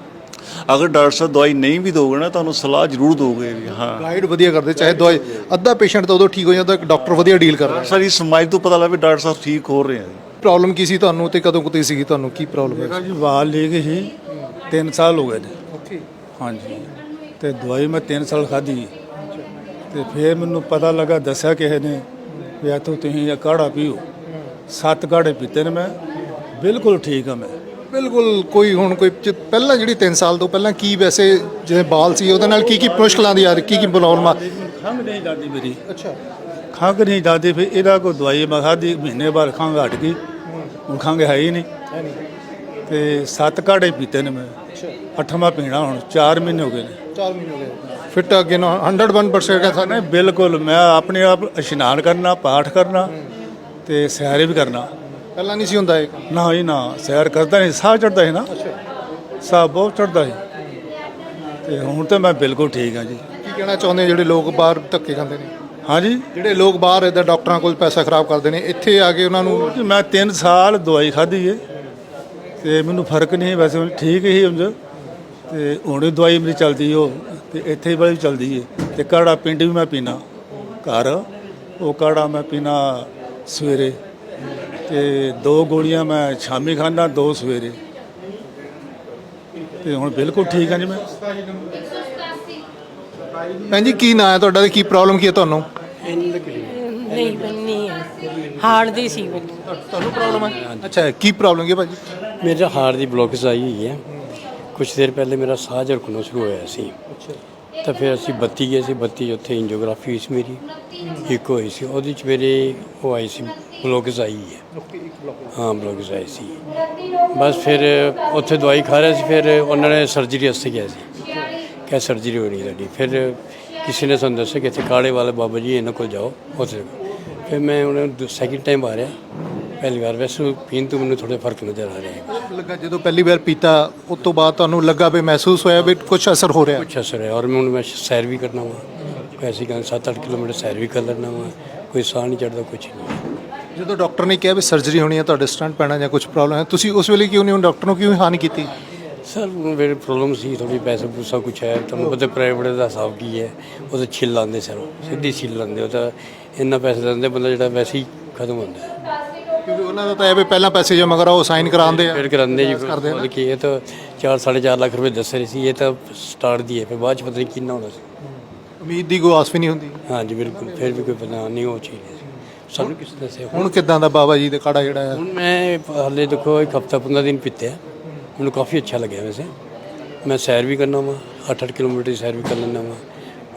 S7: ਅਗਰ ਡਾਕਟਰ ਸਾਹਿਬ ਦਵਾਈ ਨਹੀਂ ਵੀ ਦੋਗੇ ਨਾ, ਤੁਹਾਨੂੰ ਸਲਾਹ ਜ਼ਰੂਰ ਦੋਗੇ ਵੀ ਹਾਂ।
S2: ਗਾਈਡ ਵਧੀਆ ਕਰਦੇ, ਚਾਹੇ ਦਵਾਈ ਅੱਧਾ ਪੇਸ਼ੈਂਟ ਤਾਂ ਉਦੋਂ ਠੀਕ ਹੋ ਜਾਂਦਾ, ਡਾਕਟਰ ਵਧੀਆ ਡੀਲ ਕਰਦਾ।
S7: ਸਾਰੀ ਸਮਾਜ ਤੋਂ ਪਤਾ ਲੱਗਾ ਵੀ ਡਾਕਟਰ ਸਾਹਿਬ ਠੀਕ ਹੋ ਰਹੇ ਆ।
S2: ਪ੍ਰੋਬਲਮ ਕੀ ਸੀ ਤੁਹਾਨੂੰ ਤੇ ਕਦੋਂ ਕੁ ਸੀਗੀ, ਤੁਹਾਨੂੰ ਕੀ ਪ੍ਰੋਬਲਮ ਹੈ?
S8: ਮੇਰਾ ਜੀ ਵਾਲ ਲੀਕ ਸੀ, 3 ਸਾਲ ਹੋ ਗਏ ਨੇ। ਹਾਂਜੀ, ਤੇ ਦਵਾਈ ਮੈਂ 3 ਸਾਲ ਖਾਧੀ ਤੇ ਫਿਰ ਮੈਨੂੰ ਪਤਾ ਲੱਗਾ, ਦੱਸਿਆ ਕਿਸੇ ਨੇ ਵੀ ਇੱਥੋਂ ਤੁਸੀਂ ਇਹ ਕਾੜਾ ਪੀਓ। 7 ਕਾੜੇ ਪੀਤੇ ਨੇ ਮੈਂ, ਬਿਲਕੁਲ ਠੀਕ ਆ ਮੈਂ।
S2: ਬਿਲਕੁਲ ਕੋਈ ਹੁਣ ਕੋਈ ਪਹਿਲਾਂ ਜਿਹੜੀ 3 ਸਾਲ ਤੋਂ ਪਹਿਲਾਂ ਕੀ ਵੈਸੇ ਜਿਵੇਂ ਬਾਲ ਸੀ ਉਹਦੇ ਨਾਲ ਕੀ ਕੀ ਮੁਸ਼ਕਲਾਂ ਦੀ ਆ ਰਹੀ, ਕੀ ਕੀ ਪ੍ਰੋਬਲਮ ਆ?
S8: ਖੰਘ ਨਹੀਂ ਜਾਂਦੀ ਮੇਰੀ,
S2: ਅੱਛਾ।
S8: ਖੰਘ ਨਹੀਂ ਜਾਂਦੀ। ਫਿਰ ਇਹਦਾ ਕੋਈ ਦਵਾਈ ਮੈਂ ਖਾਧੀ, ਮਹੀਨੇ ਬਾਅਦ ਖੰਘ ਹਟ ਗਈ, ਹੁਣ ਖੰਘ ਹੈ ਹੀ ਨਹੀਂ। ਤੇ 7 ਕਾੜੇ ਪੀਤੇ ਨੇ ਮੈਂ, 8ਵਾਂ ਪੀਣਾ ਹੁਣ, 4 ਮਹੀਨੇ ਹੋ ਗਏ ਨੇ।
S2: 4 ਮਹੀਨੇ ਹੋ ਗਏ। ਫਿੱਟ ਅੱਗੇ ਨਾ 101% ਕਹਿੰਦਾ
S8: ਨਹੀਂ ਬਿਲਕੁਲ, ਮੈਂ ਆਪਣੇ ਆਪ ਇਸ਼ਨਾਨ ਕਰਨਾ, ਪਾਠ ਕਰਨਾ ਤੇ ਸੈਰ ਵੀ ਕਰਨਾ।
S2: ਪਹਿਲਾਂ ਨਹੀਂ ਸੀ ਹੁੰਦਾ ਇਹ?
S8: ਨਾ ਜੀ ਨਾ, ਸੈਰ ਕਰਦਾ ਨਹੀਂ, ਸਾਹ ਚੜਦਾ ਸੀ ਨਾ, ਸਾਹ ਬਹੁਤ ਚੜਦਾ ਸੀ। ਤੇ ਹੁਣ ਤਾਂ ਮੈਂ ਬਿਲਕੁਲ ਠੀਕ ਹਾਂ ਜੀ।
S2: ਕੀ ਕਹਿਣਾ ਚਾਹੁੰਦੇ ਜਿਹੜੇ ਲੋਕ ਬਾਹਰ ਧੱਕੇ ਖਾਂਦੇ ਨੇ?
S8: ਹਾਂਜੀ,
S2: ਜਿਹੜੇ ਲੋਕ ਬਾਹਰ ਇੱਦਾਂ ਡਾਕਟਰਾਂ ਕੋਲ ਪੈਸਾ ਖਰਾਬ ਕਰਦੇ ਨੇ, ਇੱਥੇ ਆ ਕੇ ਉਹਨਾਂ ਨੂੰ?
S8: ਜੀ ਮੈਂ 3 ਸਾਲ ਦਵਾਈ ਖਾਧੀ ਏ ਤੇ ਮੈਨੂੰ ਫਰਕ ਨਹੀਂ, ਵੈਸੇ ਠੀਕ ਹੀ ਉਂਝ। ਤੇ ਹੁਣ ਵੀ ਦਵਾਈ ਮੇਰੀ ਚੱਲਦੀ ਉਹ, ਤੇ ਇੱਥੇ ਵਾਲੀ ਵੀ ਚੱਲਦੀ ਏ। ਤੇ ਕਾੜਾ ਪਿੰਡ ਵੀ ਮੈਂ ਪੀਣਾ ਘਰ, ਉਹ ਕਾੜਾ ਮੈਂ ਪੀਣਾ ਸਵੇਰੇ, ਤੇ 2 ਗੋਲੀਆਂ ਮੈਂ ਸ਼ਾਮੀ ਖਾਂਦਾ, 2 ਸਵੇਰੇ। ਤੇ ਹੁਣ ਬਿਲਕੁਲ ਠੀਕ ਹਾਂ ਜੀ ਮੈਂ।
S2: ਭੈਣ ਜੀ ਕੀ ਨਾਂ ਹੈ ਤੁਹਾਡਾ ਤੇ ਕੀ ਪ੍ਰੋਬਲਮ ਕੀ ਹੈ ਤੁਹਾਨੂੰ?
S9: ਨਹੀਂ ਬੰਨੀ ਹੈ, ਹਾਰਟ ਦੀ ਸੀ ਬੰਨੀ।
S2: ਤੁਹਾਨੂੰ ਪ੍ਰੋਬਲਮ ਹੈ? ਅੱਛਾ, ਕੀ ਪ੍ਰੋਬਲਮ ਕੀ ਹੈ ਭਾਜੀ?
S10: ਮੇਰਾ ਹਾਰਟ ਦੀ ਬਲੋਕੇਜ ਆਈ ਹੋਈ ਹੈ। ਕੁਛ ਦੇਰ ਪਹਿਲੇ ਮੇਰਾ ਸਾਹ ਝੜਕਣਾ ਸ਼ੁਰੂ ਹੋਇਆ ਸੀ, ਤਾਂ ਫਿਰ ਅਸੀਂ ਬੱਤੀ ਗਏ ਸੀ। ਬੱਤੀ ਉੱਥੇ ਐਂਜੀਓਗ੍ਰਾਫੀ ਹੋਈ ਸੀ ਮੇਰੀ, ਇੱਕ ਹੋਈ ਸੀ, ਉਹਦੇ 'ਚ ਮੇਰੇ ਉਹ ਆਈ ਸੀ, ਬਲੋਕੇਜ ਆਈ ਹੈ। ਹਾਂ, ਬਲੋਕੇਜ ਆਈ ਸੀ। ਬਸ ਫਿਰ ਉੱਥੇ ਦਵਾਈ ਖਾ ਰਿਹਾ ਸੀ, ਫਿਰ ਉਹਨਾਂ ਨੇ ਸਰਜਰੀ ਵਾਸਤੇ ਕਿਹਾ ਸੀ, ਕਿਆ ਸਰਜਰੀ ਹੋਣੀ ਤੁਹਾਡੀ। ਫਿਰ ਕਿਸੇ ਨੇ ਸਾਨੂੰ ਦੱਸਿਆ ਕਿ ਇੱਥੇ ਕਾੜੇ ਵਾਲੇ ਬਾਬਾ ਜੀ ਇਹਨਾਂ ਕੋਲ ਜਾਓ, ਉੱਥੇ। ਫਿਰ ਮੈਂ ਉਹਨਾਂ ਸੈਕਿੰਡ ਟਾਈਮ ਆ ਰਿਹਾ, ਪਹਿਲੀ ਵਾਰ ਵੈਸੇ ਪੀਣ ਤੋਂ ਮੈਨੂੰ ਥੋੜ੍ਹਾ ਫਰਕ ਨਜ਼ਰ ਆ ਰਿਹਾ ਹੈ।
S2: ਲੱਗਾ ਜਦੋਂ ਪਹਿਲੀ ਵਾਰ ਪੀਤਾ ਉਸ ਤੋਂ ਬਾਅਦ ਤੁਹਾਨੂੰ ਲੱਗਾ ਵੀ ਮਹਿਸੂਸ ਹੋਇਆ ਵੀ ਕੁਝ ਅਸਰ ਹੋ ਰਿਹਾ?
S10: ਕੁਛ ਅਸਰ ਹੈ, ਔਰ ਮੈਂ ਹੁਣ ਮੈਂ ਸੈਰ ਵੀ ਕਰਨਾ ਵਾ, ਐਸੀ ਗੱਲ 7-8 ਕਿਲੋਮੀਟਰ ਸੈਰ ਵੀ ਕਰ ਲੈਣਾ ਵਾ, ਕੋਈ ਸਾਹ ਨਹੀਂ ਚੜਦਾ, ਕੁਛ ਨਹੀਂ।
S2: ਜਦੋਂ ਡਾਕਟਰ ਨੇ ਕਿਹਾ ਵੀ ਸਰਜਰੀ ਹੋਣੀ ਹੈ, ਤੁਹਾਡੇ ਸਟੰਟ ਪੈਣਾ ਜਾਂ ਕੁਝ ਪ੍ਰੋਬਲਮ ਹੈ, ਤੁਸੀਂ ਉਸ ਵੇਲੇ ਕਿਉਂ ਨਹੀਂ ਡਾਕਟਰ ਨੂੰ ਕਿਉਂ ਹਾਨੀ ਕੀਤੀ?
S10: ਸਰ ਮੇਰੇ ਪ੍ਰੋਬਲਮ ਸੀ ਥੋੜੀ, ਪੈਸਾ ਪੂਸਾ ਕੁਛ ਹੈ, ਤੁਹਾਨੂੰ ਪਤਾ ਪ੍ਰਾਈਵੇਟ ਦਾ ਹਿਸਾਬ ਕੀ ਹੈ, ਉਹ ਤਾਂ ਛਿੱਲ ਲਾਉਂਦੇ ਸਰ, ਸਿੱਧੀ ਛਿੱਲ ਲਾਉਂਦੇ। ਉਹ ਤਾਂ ਇੰਨਾ ਪੈਸੇ ਦਿੰਦੇ, ਬੰਦਾ ਜਿਹੜਾ ਵੈਸੇ ਹੀ ਖਤਮ ਹੁੰਦਾ।
S2: ਕਿਉਂਕਿ ਉਹਨਾਂ ਦਾ ਤਾਂ ਇਹ ਵੀ ਪਹਿਲਾਂ ਪੈਸੇ ਜਮ੍ਹਾਂ ਕਰਾਓ, ਸਾਈਨ ਕਰਾਉਂਦੇ ਆ,
S10: ਫਿਰ ਕਰਾਉਂਦੇ ਜੀ। ਮਤਲਬ ਕਿ ਇਹ ਤਾਂ 4-4.5 ਲੱਖ ਰੁਪਏ ਦੱਸ ਰਹੇ ਸੀ, ਇਹ ਤਾਂ ਸਟਾਰਟ ਦੀ ਹੈ, ਫਿਰ ਬਾਅਦ 'ਚ ਪਤਾ ਨਹੀਂ ਕਿੰਨਾ ਹੋਣਾ ਸੀ।
S2: ਉਮੀਦ ਦੀ ਕੋਈ ਆਸ ਵੀ ਨਹੀਂ ਹੁੰਦੀ।
S10: ਹਾਂਜੀ ਬਿਲਕੁਲ, ਫਿਰ ਵੀ ਕੋਈ ਪਤਾ ਨਹੀਂ ਉਹ ਚੀਜ਼ ਸਾਨੂੰ ਕਿਸੇ ਦੱਸਿਆ।
S2: ਹੁਣ ਕਿੱਦਾਂ ਦਾ ਬਾਬਾ ਜੀ ਦਾ ਕਾੜਾ ਜਿਹੜਾ ਹੈ?
S10: ਹੁਣ ਮੈਂ ਹਾਲੇ ਦੇਖੋ 1 ਹਫ਼ਤਾ 15 ਦਿਨ ਪੀਤੇ, ਮੈਨੂੰ ਕਾਫੀ ਅੱਛਾ ਲੱਗਿਆ। ਵੈਸੇ ਮੈਂ ਸੈਰ ਵੀ ਕਰਨਾ ਵਾ, 8-8 ਕਿਲੋਮੀਟਰ ਦੀ ਸੈਰ ਵੀ ਕਰ ਲੈਂਦਾ ਵਾ,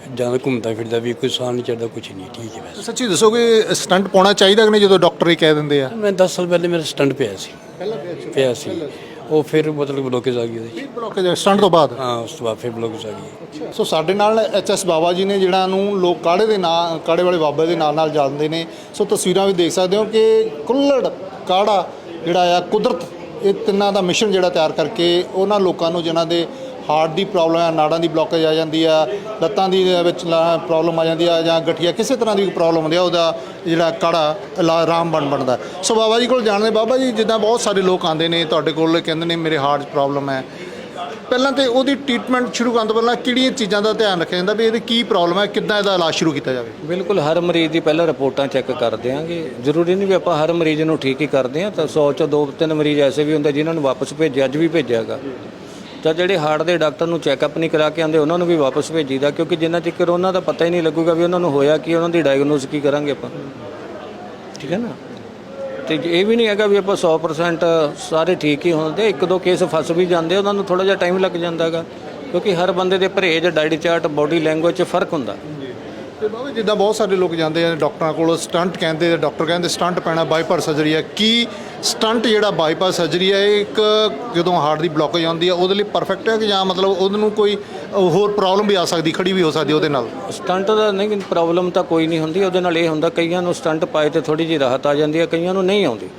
S10: ਜ਼ਿਆਦਾ ਘੁੰਮਦਾ ਫਿਰਦਾ ਵੀ ਕੋਈ ਸਾਹ ਨਹੀਂ ਚੜਦਾ, ਕੁਝ ਨਹੀਂ, ਠੀਕ ਹੈ ਵੈਸੇ।
S2: ਸੱਚੀ ਦੱਸੋਗੇ ਸਟੰਟ ਪਾਉਣਾ ਚਾਹੀਦਾ ਕਿ ਨਹੀਂ ਜਦੋਂ ਡਾਕਟਰ ਹੀ ਕਹਿ ਦਿੰਦੇ ਆ?
S10: ਮੈਂ 10 ਸਾਲ ਪਹਿਲੇ ਮੇਰਾ ਸਟੰਟ ਪਿਆ ਸੀ, ਪਿਆ ਸੀ ਉਹ ਫਿਰ ਮਤਲਬ ਬਲੋਕੇਜ ਆ ਗਈ ਉਹਦੇ 'ਚ।
S2: ਬਲੌਕੇਜ ਸਟੰਟ ਤੋਂ ਬਾਅਦ?
S10: ਹਾਂ, ਉਸ ਤੋਂ ਬਾਅਦ ਫਿਰ ਬਲੋਕੇਜ ਆ ਗਈ।
S2: ਸੋ ਸਾਡੇ ਨਾਲ ਐਚਐਸ ਬਾਬਾ ਜੀ ਨੇ, ਜਿਹੜਾ ਨੂੰ ਲੋਕ ਕਾੜੇ ਦੇ ਨਾਂ, ਕਾੜੇ ਵਾਲੇ ਬਾਬਾ ਦੇ ਨਾਲ ਜਾਣਦੇ ਨੇ। ਸੋ ਤਸਵੀਰਾਂ ਵੀ ਦੇਖ ਸਕਦੇ ਹੋ ਕਿ ਕੁੱਲੜ ਕਾੜਾ ਜਿਹੜਾ ਆ, ਕੁਦਰਤ ਇਹ ਤਿੰਨਾਂ ਦਾ ਮਿਸ਼ਨ ਜਿਹੜਾ ਤਿਆਰ ਕਰਕੇ ਉਹਨਾਂ ਲੋਕਾਂ ਨੂੰ ਜਿਨ੍ਹਾਂ ਦੇ ਹਾਰਟ ਦੀ ਪ੍ਰੋਬਲਮ ਹੈ, ਨਾੜਾਂ ਦੀ ਬਲੋਕੇਜ ਆ ਜਾਂਦੀ ਆ, ਲੱਤਾਂ ਦੀ ਵਿੱਚ ਪ੍ਰੋਬਲਮ ਆ ਜਾਂਦੀ ਆ, ਜਾਂ ਗਠੀਆ ਕਿਸੇ ਤਰ੍ਹਾਂ ਦੀ ਪ੍ਰੋਬਲਮ ਹੁੰਦੀ ਆ, ਉਹਦਾ ਜਿਹੜਾ ਕਾੜਾ ਆਰਾਮ ਬਣਦਾ। ਸੋ ਬਾਬਾ ਜੀ ਕੋਲ ਜਾਣਦੇ। ਬਾਬਾ ਜੀ, ਜਿੱਦਾਂ ਬਹੁਤ ਸਾਰੇ ਲੋਕ ਆਉਂਦੇ ਨੇ ਤੁਹਾਡੇ ਕੋਲ, ਕਹਿੰਦੇ ਨੇ ਮੇਰੇ ਹਾਰਟ 'ਚ ਪ੍ਰੋਬਲਮ ਹੈ, ਪਹਿਲਾਂ ਤਾਂ ਉਹਦੀ ਟ੍ਰੀਟਮੈਂਟ ਸ਼ੁਰੂ ਕਰਨ ਤੋਂ ਪਹਿਲਾਂ ਕਿਹੜੀਆਂ ਚੀਜ਼ਾਂ ਦਾ ਧਿਆਨ ਰੱਖਿਆ ਜਾਂਦਾ ਵੀ ਇਹਦੀ ਕੀ ਪ੍ਰੋਬਲਮ ਹੈ, ਕਿੱਦਾਂ ਇਹਦਾ ਇਲਾਜ ਸ਼ੁਰੂ ਕੀਤਾ ਜਾਵੇ?
S4: ਬਿਲਕੁਲ, ਹਰ ਮਰੀਜ਼ ਦੀ ਪਹਿਲਾਂ ਰਿਪੋਰਟਾਂ ਚੈੱਕ ਕਰ ਦਿਆਂਗੇ। ਜ਼ਰੂਰੀ ਨਹੀਂ ਵੀ ਆਪਾਂ ਹਰ ਮਰੀਜ਼ ਨੂੰ ਠੀਕ ਹੀ ਕਰਦੇ ਹਾਂ, ਤਾਂ 100 ਚੋਂ 2-3 ਮਰੀਜ਼ ਐਸੇ ਵੀ ਹੁੰਦੇ ਜਿਨ੍ਹਾਂ ਨੂੰ ਵਾਪਸ ਭੇਜਿਆ, ਅੱਜ ਵੀ ਭੇਜਿਆਗਾ। ਤਾਂ ਜਿਹੜੇ ਹਾਰਟ ਦੇ ਡਾਕਟਰ ਨੂੰ ਚੈੱਕਅਪ ਨਹੀਂ ਕਰਾ ਕੇ ਆਉਂਦੇ ਉਹਨਾਂ ਨੂੰ ਵੀ ਵਾਪਸ ਭੇਜੀਦਾ, ਕਿਉਂਕਿ ਜਿੰਨਾ ਚਿਰ ਉਹਨਾਂ ਦਾ ਪਤਾ ਹੀ ਨਹੀਂ ਲੱਗੂਗਾ ਵੀ ਉਹਨਾਂ ਨੂੰ ਹੋਇਆ ਕੀ, ਉਹਨਾਂ ਦੀ ਡਾਇਗਨੋਸ ਕੀ ਕਰਾਂਗੇ ਆਪਾਂ, ਠੀਕ ਹੈ ਨਾ। ਤੇ ਇਹ ਵੀ ਨਹੀਂ ਹੈਗਾ ਵੀ ਆਪਾਂ 100% ਸਾਰੇ ਠੀਕ ਹੀ ਹੁੰਦੇ, 1-2 ਕੇਸ ਫਸ ਵੀ ਜਾਂਦੇ, ਉਹਨਾਂ ਨੂੰ ਥੋੜ੍ਹਾ ਜਿਹਾ ਟਾਈਮ ਲੱਗ ਜਾਂਦਾ ਹੈਗਾ, ਕਿਉਂਕਿ ਹਰ ਬੰਦੇ ਦੇ ਪਰਹੇਜ਼, ਡਾਈਟ ਚਾਰਟ, ਬਾਡੀ ਲੈਂਗੁਏਜ 'ਚ ਫਰਕ ਹੁੰਦਾ।
S2: ਤੇ ਬਾਬਾ ਜਿੱਦਾਂ ਬਹੁਤ ਸਾਰੇ ਲੋਕ ਜਾਂਦੇ ਆ ਡਾਕਟਰਾਂ ਕੋਲ, ਸਟੰਟ ਕਹਿੰਦੇ, ਡਾਕਟਰ ਕਹਿੰਦੇ ਸਟੰਟ ਪੈਣਾ, ਬਾਈਪਾਸ ਸਰਜਰੀ ਹੈ। ਕੀ ਸਟੰਟ ਜਿਹੜਾ ਬਾਈਪਾਸ ਸਰਜਰੀ ਹੈ ਇਹ ਇੱਕ ਜਦੋਂ ਹਾਰਟ ਦੀ ਬਲੋਕੇਜ ਆਉਂਦੀ ਹੈ ਉਹਦੇ ਲਈ ਪਰਫੈਕਟ ਹੈ, ਕਿ ਜਾਂ ਮਤਲਬ ਉਹਨੂੰ ਕੋਈ ਹੋਰ ਪ੍ਰੋਬਲਮ ਵੀ ਆ ਸਕਦੀ, ਖੜੀ ਵੀ ਹੋ ਸਕਦੀ ਉਹਦੇ ਨਾਲ?
S4: ਸਟੰਟ ਦਾ ਨਹੀਂ, ਪ੍ਰੋਬਲਮ ਤਾਂ ਕੋਈ ਨਹੀਂ ਹੁੰਦੀ ਉਹਦੇ ਨਾਲ। ਇਹ ਹੁੰਦਾ ਕਈਆਂ ਨੂੰ ਸਟੰਟ ਪਾਏ ਤੇ ਥੋੜੀ ਜਿਹੀ ਰਾਹਤ ਆ ਜਾਂਦੀ ਹੈ, ਕਈਆਂ ਨੂੰ ਨਹੀਂ ਆਉਂਦੀ।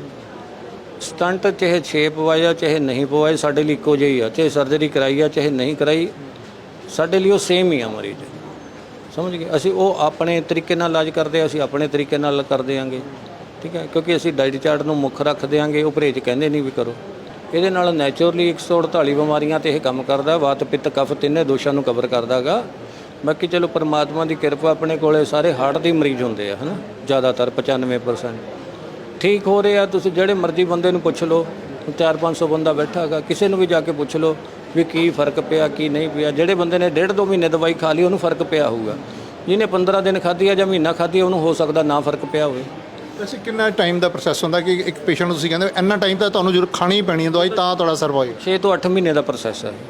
S4: ਸਟੰਟ ਚਾਹੇ 6 ਪਵਾਇਆ ਚਾਹੇ ਨਹੀਂ ਪਵਾਏ, ਸਾਡੇ ਲਈ ਇੱਕੋ ਜਿਹੀ ਆ। ਚਾਹੇ ਸਰਜਰੀ ਕਰਾਈ ਆ ਚਾਹੇ ਨਹੀਂ ਕਰਾਈ, ਸਾਡੇ ਲਈ ਉਹ ਸੇਮ ਹੀ ਆ ਮਰੀਜ਼, ਸਮਝ ਗਏ। ਅਸੀਂ ਉਹ ਆਪਣੇ ਤਰੀਕੇ ਨਾਲ ਇਲਾਜ ਕਰਦੇ, ਅਸੀਂ ਆਪਣੇ ਤਰੀਕੇ ਨਾਲ ਕਰ ਦਿਆਂਗੇ, ਠੀਕ ਹੈ, ਕਿਉਂਕਿ ਅਸੀਂ ਡਾਈਟ ਚਾਰਟ ਨੂੰ ਮੁੱਖ ਰੱਖ ਦਿਆਂਗੇ। ਉਹ ਪਰਹੇਜ਼ ਕਹਿੰਦੇ ਨਹੀਂ ਵੀ ਕਰੋ। ਇਹਦੇ ਨਾਲ ਨੈਚੁਰਲੀ 148 ਬਿਮਾਰੀਆਂ ਤੇ ਇਹ ਕੰਮ ਕਰਦਾ, ਵਾਤ ਪਿੱਤ ਕਫ ਤਿੰਨੇ ਦੋਸ਼ਾਂ ਨੂੰ ਕਵਰ ਕਰਦਾ ਹੈਗਾ। ਬਾਕੀ ਚਲੋ ਪਰਮਾਤਮਾ ਦੀ ਕਿਰਪਾ, ਆਪਣੇ ਕੋਲੇ ਸਾਰੇ ਹਾਰਟ ਦੇ ਮਰੀਜ਼ ਹੁੰਦੇ ਆ, ਹੈ ਨਾ, ਜ਼ਿਆਦਾਤਰ 95% ਠੀਕ ਹੋ ਰਹੇ ਆ। ਤੁਸੀਂ ਜਿਹੜੇ ਮਰਜ਼ੀ ਬੰਦੇ ਨੂੰ ਪੁੱਛ ਲਓ, 400-500 ਬੰਦਾ ਬੈਠਾ ਹੈਗਾ, ਕਿਸੇ ਨੂੰ ਵੀ ਜਾ ਕੇ ਪੁੱਛ ਲਓ ਵੀ ਕੀ ਫਰਕ ਪਿਆ ਕੀ ਨਹੀਂ ਪਿਆ। ਜਿਹੜੇ ਬੰਦੇ ਨੇ 1.5-2 ਮਹੀਨੇ ਦਵਾਈ ਖਾ ਲਈ ਉਹਨੂੰ ਫਰਕ ਪਿਆ ਹੋਊਗਾ, ਜਿਹਨੇ 15 ਦਿਨ ਖਾਧੀ ਆ ਜਾਂ ਮਹੀਨਾ ਖਾਧੀ ਆ ਉਹਨੂੰ ਹੋ ਸਕਦਾ ਨਾ ਫਰਕ ਪਿਆ ਹੋਵੇ।
S2: ਵੈਸੇ ਕਿੰਨਾ ਟਾਈਮ ਦਾ ਪ੍ਰੋਸੈਸ ਹੁੰਦਾ ਕਿ ਇੱਕ ਪੇਸ਼ੈਂਟ ਨੂੰ ਤੁਸੀਂ ਕਹਿੰਦੇ ਇੰਨਾ ਟਾਈਮ ਤਾਂ ਤੁਹਾਨੂੰ ਜ਼ਰੂਰ ਖਾਣੀ ਹੀ ਪੈਣੀ ਹੈ ਦਵਾਈ ਤਾਂ ਤੁਹਾਡਾ ਸਰਵਾਈਵ?
S4: 6 ਤੋਂ 8 ਮਹੀਨੇ ਦਾ ਪ੍ਰੋਸੈਸ ਹੈ।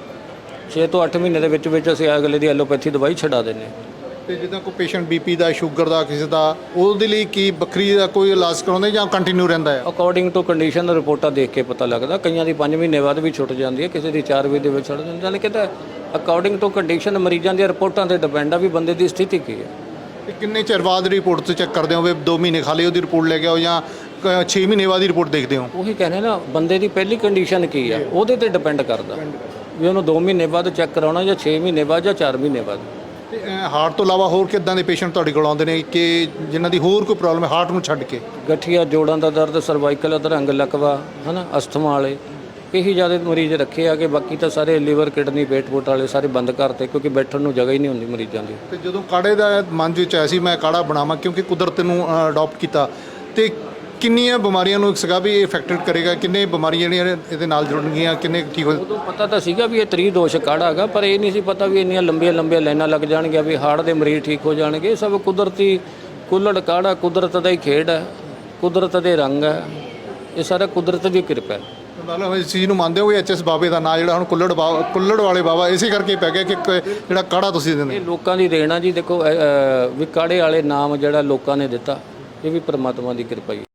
S4: 6 ਤੋਂ 8 ਮਹੀਨੇ ਦੇ ਵਿੱਚ ਅਸੀਂ ਅਗਲੇ ਦੀ ਐਲੋਪੈਥੀ ਦਵਾਈ ਛਡਾ ਦਿੰਦੇ ਹਾਂ।
S2: ਤੇ ਜਿੱਦਾਂ ਕੋਈ ਪੇਸ਼ੈਂਟ ਬੀਪੀ ਦਾ, ਸ਼ੂਗਰ ਦਾ, ਕਿਸੇ ਦਾ, ਉਹਦੇ ਲਈ ਕੀ ਵੱਖਰੀ ਦਾ ਕੋਈ ਇਲਾਜ ਕਰਾਉਂਦੇ ਜਾਂ ਕੰਟੀਨਿਊ ਰਹਿੰਦਾ ਹੈ?
S4: ਅਕੋਰਡਿੰਗ ਟੂ ਕੰਡੀਸ਼ਨ ਰਿਪੋਰਟਾਂ ਦੇਖ ਕੇ ਪਤਾ ਲੱਗਦਾ। ਕਈਆਂ ਦੀ 5 ਮਹੀਨੇ ਬਾਅਦ ਵੀ ਛੁੱਟ ਜਾਂਦੀ ਹੈ, ਕਿਸੇ ਦੀ 4 ਮਹੀਨੇ ਦੇ ਵਿੱਚ ਛੁੱਟ ਜਾਂਦੀ ਹੈ। ਯਾਨੀ ਕਿ ਤਾਂ ਅਕੋਰਡਿੰਗ ਟੂ ਕੰਡੀਸ਼ਨ ਮਰੀਜ਼ਾਂ ਦੀਆਂ ਰਿਪੋਰਟਾਂ 'ਤੇ ਡਿਪੈਂਡ ਆ ਵੀ ਬੰਦੇ ਦੀ ਸਥਿਤੀ ਕੀ ਹੈ।
S2: ਤੇ ਕਿੰਨੇ ਚਿਰ ਬਾਅਦ ਰਿਪੋਰਟ ਤੋਂ ਚੈੱਕ ਕਰਦੇ ਹੋ ਵੀ 2 ਮਹੀਨੇ ਖਾ ਲਈ ਉਹਦੀ ਰਿਪੋਰਟ ਲੈ ਕੇ ਆਓ ਜਾਂ 6 ਮਹੀਨੇ ਬਾਅਦ ਦੀ ਰਿਪੋਰਟ ਦੇਖਦੇ ਹੋ?
S4: ਉਹੀ ਕਹਿੰਦੇ ਨਾ, ਬੰਦੇ ਦੀ ਪਹਿਲੀ ਕੰਡੀਸ਼ਨ ਕੀ ਆ ਉਹਦੇ ਤੇ ਡਿਪੈਂਡ ਕਰਦਾ ਵੀ ਉਹਨੂੰ 2 ਮਹੀਨੇ ਬਾਅਦ ਚੈੱਕ ਕਰਾਉਣਾ ਜਾਂ 6 ਮਹੀਨੇ ਬਾਅਦ ਜਾਂ 4 ਮਹੀਨੇ ਬਾਅਦ।
S2: ਤੇ ਹਾਰਟ ਤੋਂ ਇਲਾਵਾ ਹੋਰ ਕਿੱਦਾਂ ਦੇ ਪੇਸ਼ੈਂਟ ਤੁਹਾਡੇ ਕੋਲ ਆਉਂਦੇ ਨੇ ਕਿ ਜਿਨ੍ਹਾਂ ਦੀ ਹੋਰ ਕੋਈ ਪ੍ਰੋਬਲਮ ਹੈ ਹਾਰਟ ਨੂੰ ਛੱਡ ਕੇ?
S4: ਗਠੀਆ, ਜੋੜਾਂ ਦਾ ਦਰਦ, ਸਰਵਾਈਕਲ ਅਧਰੰਗ ਲਕਵਾ, ਹੈ ਨਾ, ਅਸਥਮਾ ਵਾਲੇ, ਇਹੀ ਜ਼ਿਆਦਾ ਮਰੀਜ਼ ਰੱਖੇ ਆ। ਕਿ ਬਾਕੀ ਤਾਂ ਸਾਰੇ ਲੀਵਰ, ਕਿਡਨੀ, ਪੇਟ ਪੋਟ ਵਾਲੇ ਸਾਰੇ ਬੰਦ ਕਰਤੇ, ਕਿਉਂਕਿ ਬੈਠਣ ਨੂੰ ਜਗ੍ਹਾ ਹੀ ਨਹੀਂ ਹੁੰਦੀ ਮਰੀਜ਼ਾਂ ਦੀ।
S2: ਤੇ ਜਦੋਂ ਕਾੜੇ ਦਾ ਮਨ ਵਿੱਚ ਆਇਆ ਸੀ ਮੈਂ ਕਾੜਾ ਬਣਾਵਾਂ, ਕਿਉਂਕਿ ਕੁਦਰਤ ਨੂੰ ਅਡਾਪਟ ਕੀਤਾ, ਤੇ ਕਿੰਨੀਆਂ ਬਿਮਾਰੀਆਂ ਨੂੰ ਸੀਗਾ ਵੀ ਇਹ ਇਫੈਕਟਡ ਕਰੇਗਾ, ਕਿੰਨੇ ਬਿਮਾਰੀਆਂ ਜਿਹੜੀਆਂ ਇਹਦੇ ਨਾਲ ਜੁੜਨਗੀਆਂ, ਕਿੰਨੇ ਠੀਕ ਹੋ?
S4: ਉਦੋਂ ਪਤਾ ਤਾਂ ਸੀਗਾ ਵੀ ਇਹ ਤ੍ਰਿਦੋਸ਼ ਕਾੜਾ ਹੈਗਾ, ਪਰ ਇਹ ਨਹੀਂ ਸੀ ਪਤਾ ਵੀ ਇੰਨੀਆਂ ਲੰਬੀਆਂ ਲਾਈਨਾਂ ਲੱਗ ਜਾਣਗੀਆਂ, ਵੀ ਹਾਰਟ ਦੇ ਮਰੀਜ਼ ਠੀਕ ਹੋ ਜਾਣਗੇ। ਇਹ ਸਭ ਕੁਦਰਤੀ ਕੁੱਲੜ ਕਾੜਾ, ਕੁਦਰਤ ਦਾ ਹੀ ਖੇਡ ਹੈ, ਕੁਦਰਤ ਦੇ ਰੰਗ ਹੈ, ਇਹ ਸਾਰਾ ਕੁਦਰਤ ਦੀ ਕਿਰਪਾ ਹੈ।
S2: ਮਤਲਬ ਇਸ ਚੀਜ਼ ਨੂੰ ਮੰਨਦੇ ਹੋ ਵੀ ਐਚਐਸ ਬਾਬੇ ਦਾ ਨਾਂ ਜਿਹੜਾ ਹੁਣ ਕੁੱਲੜ ਵਾਲੇ ਬਾਬਾ ਇਸੇ ਕਰਕੇ ਪੈ ਗਿਆ ਕਿ ਜਿਹੜਾ ਕਾੜਾ ਤੁਸੀਂ ਦਿੰਦੇ?
S4: ਇਹ ਲੋਕਾਂ ਦੀ ਦੇਣ ਆ ਜੀ। ਦੇਖੋ ਵੀ ਕਾੜੇ ਵਾਲੇ ਨਾਮ ਜਿਹੜਾ ਲੋਕਾਂ ਨੇ ਦਿੱਤਾ, ਇਹ ਵੀ ਪਰਮਾਤਮਾ ਦੀ ਕਿਰਪਾ ਹੀ।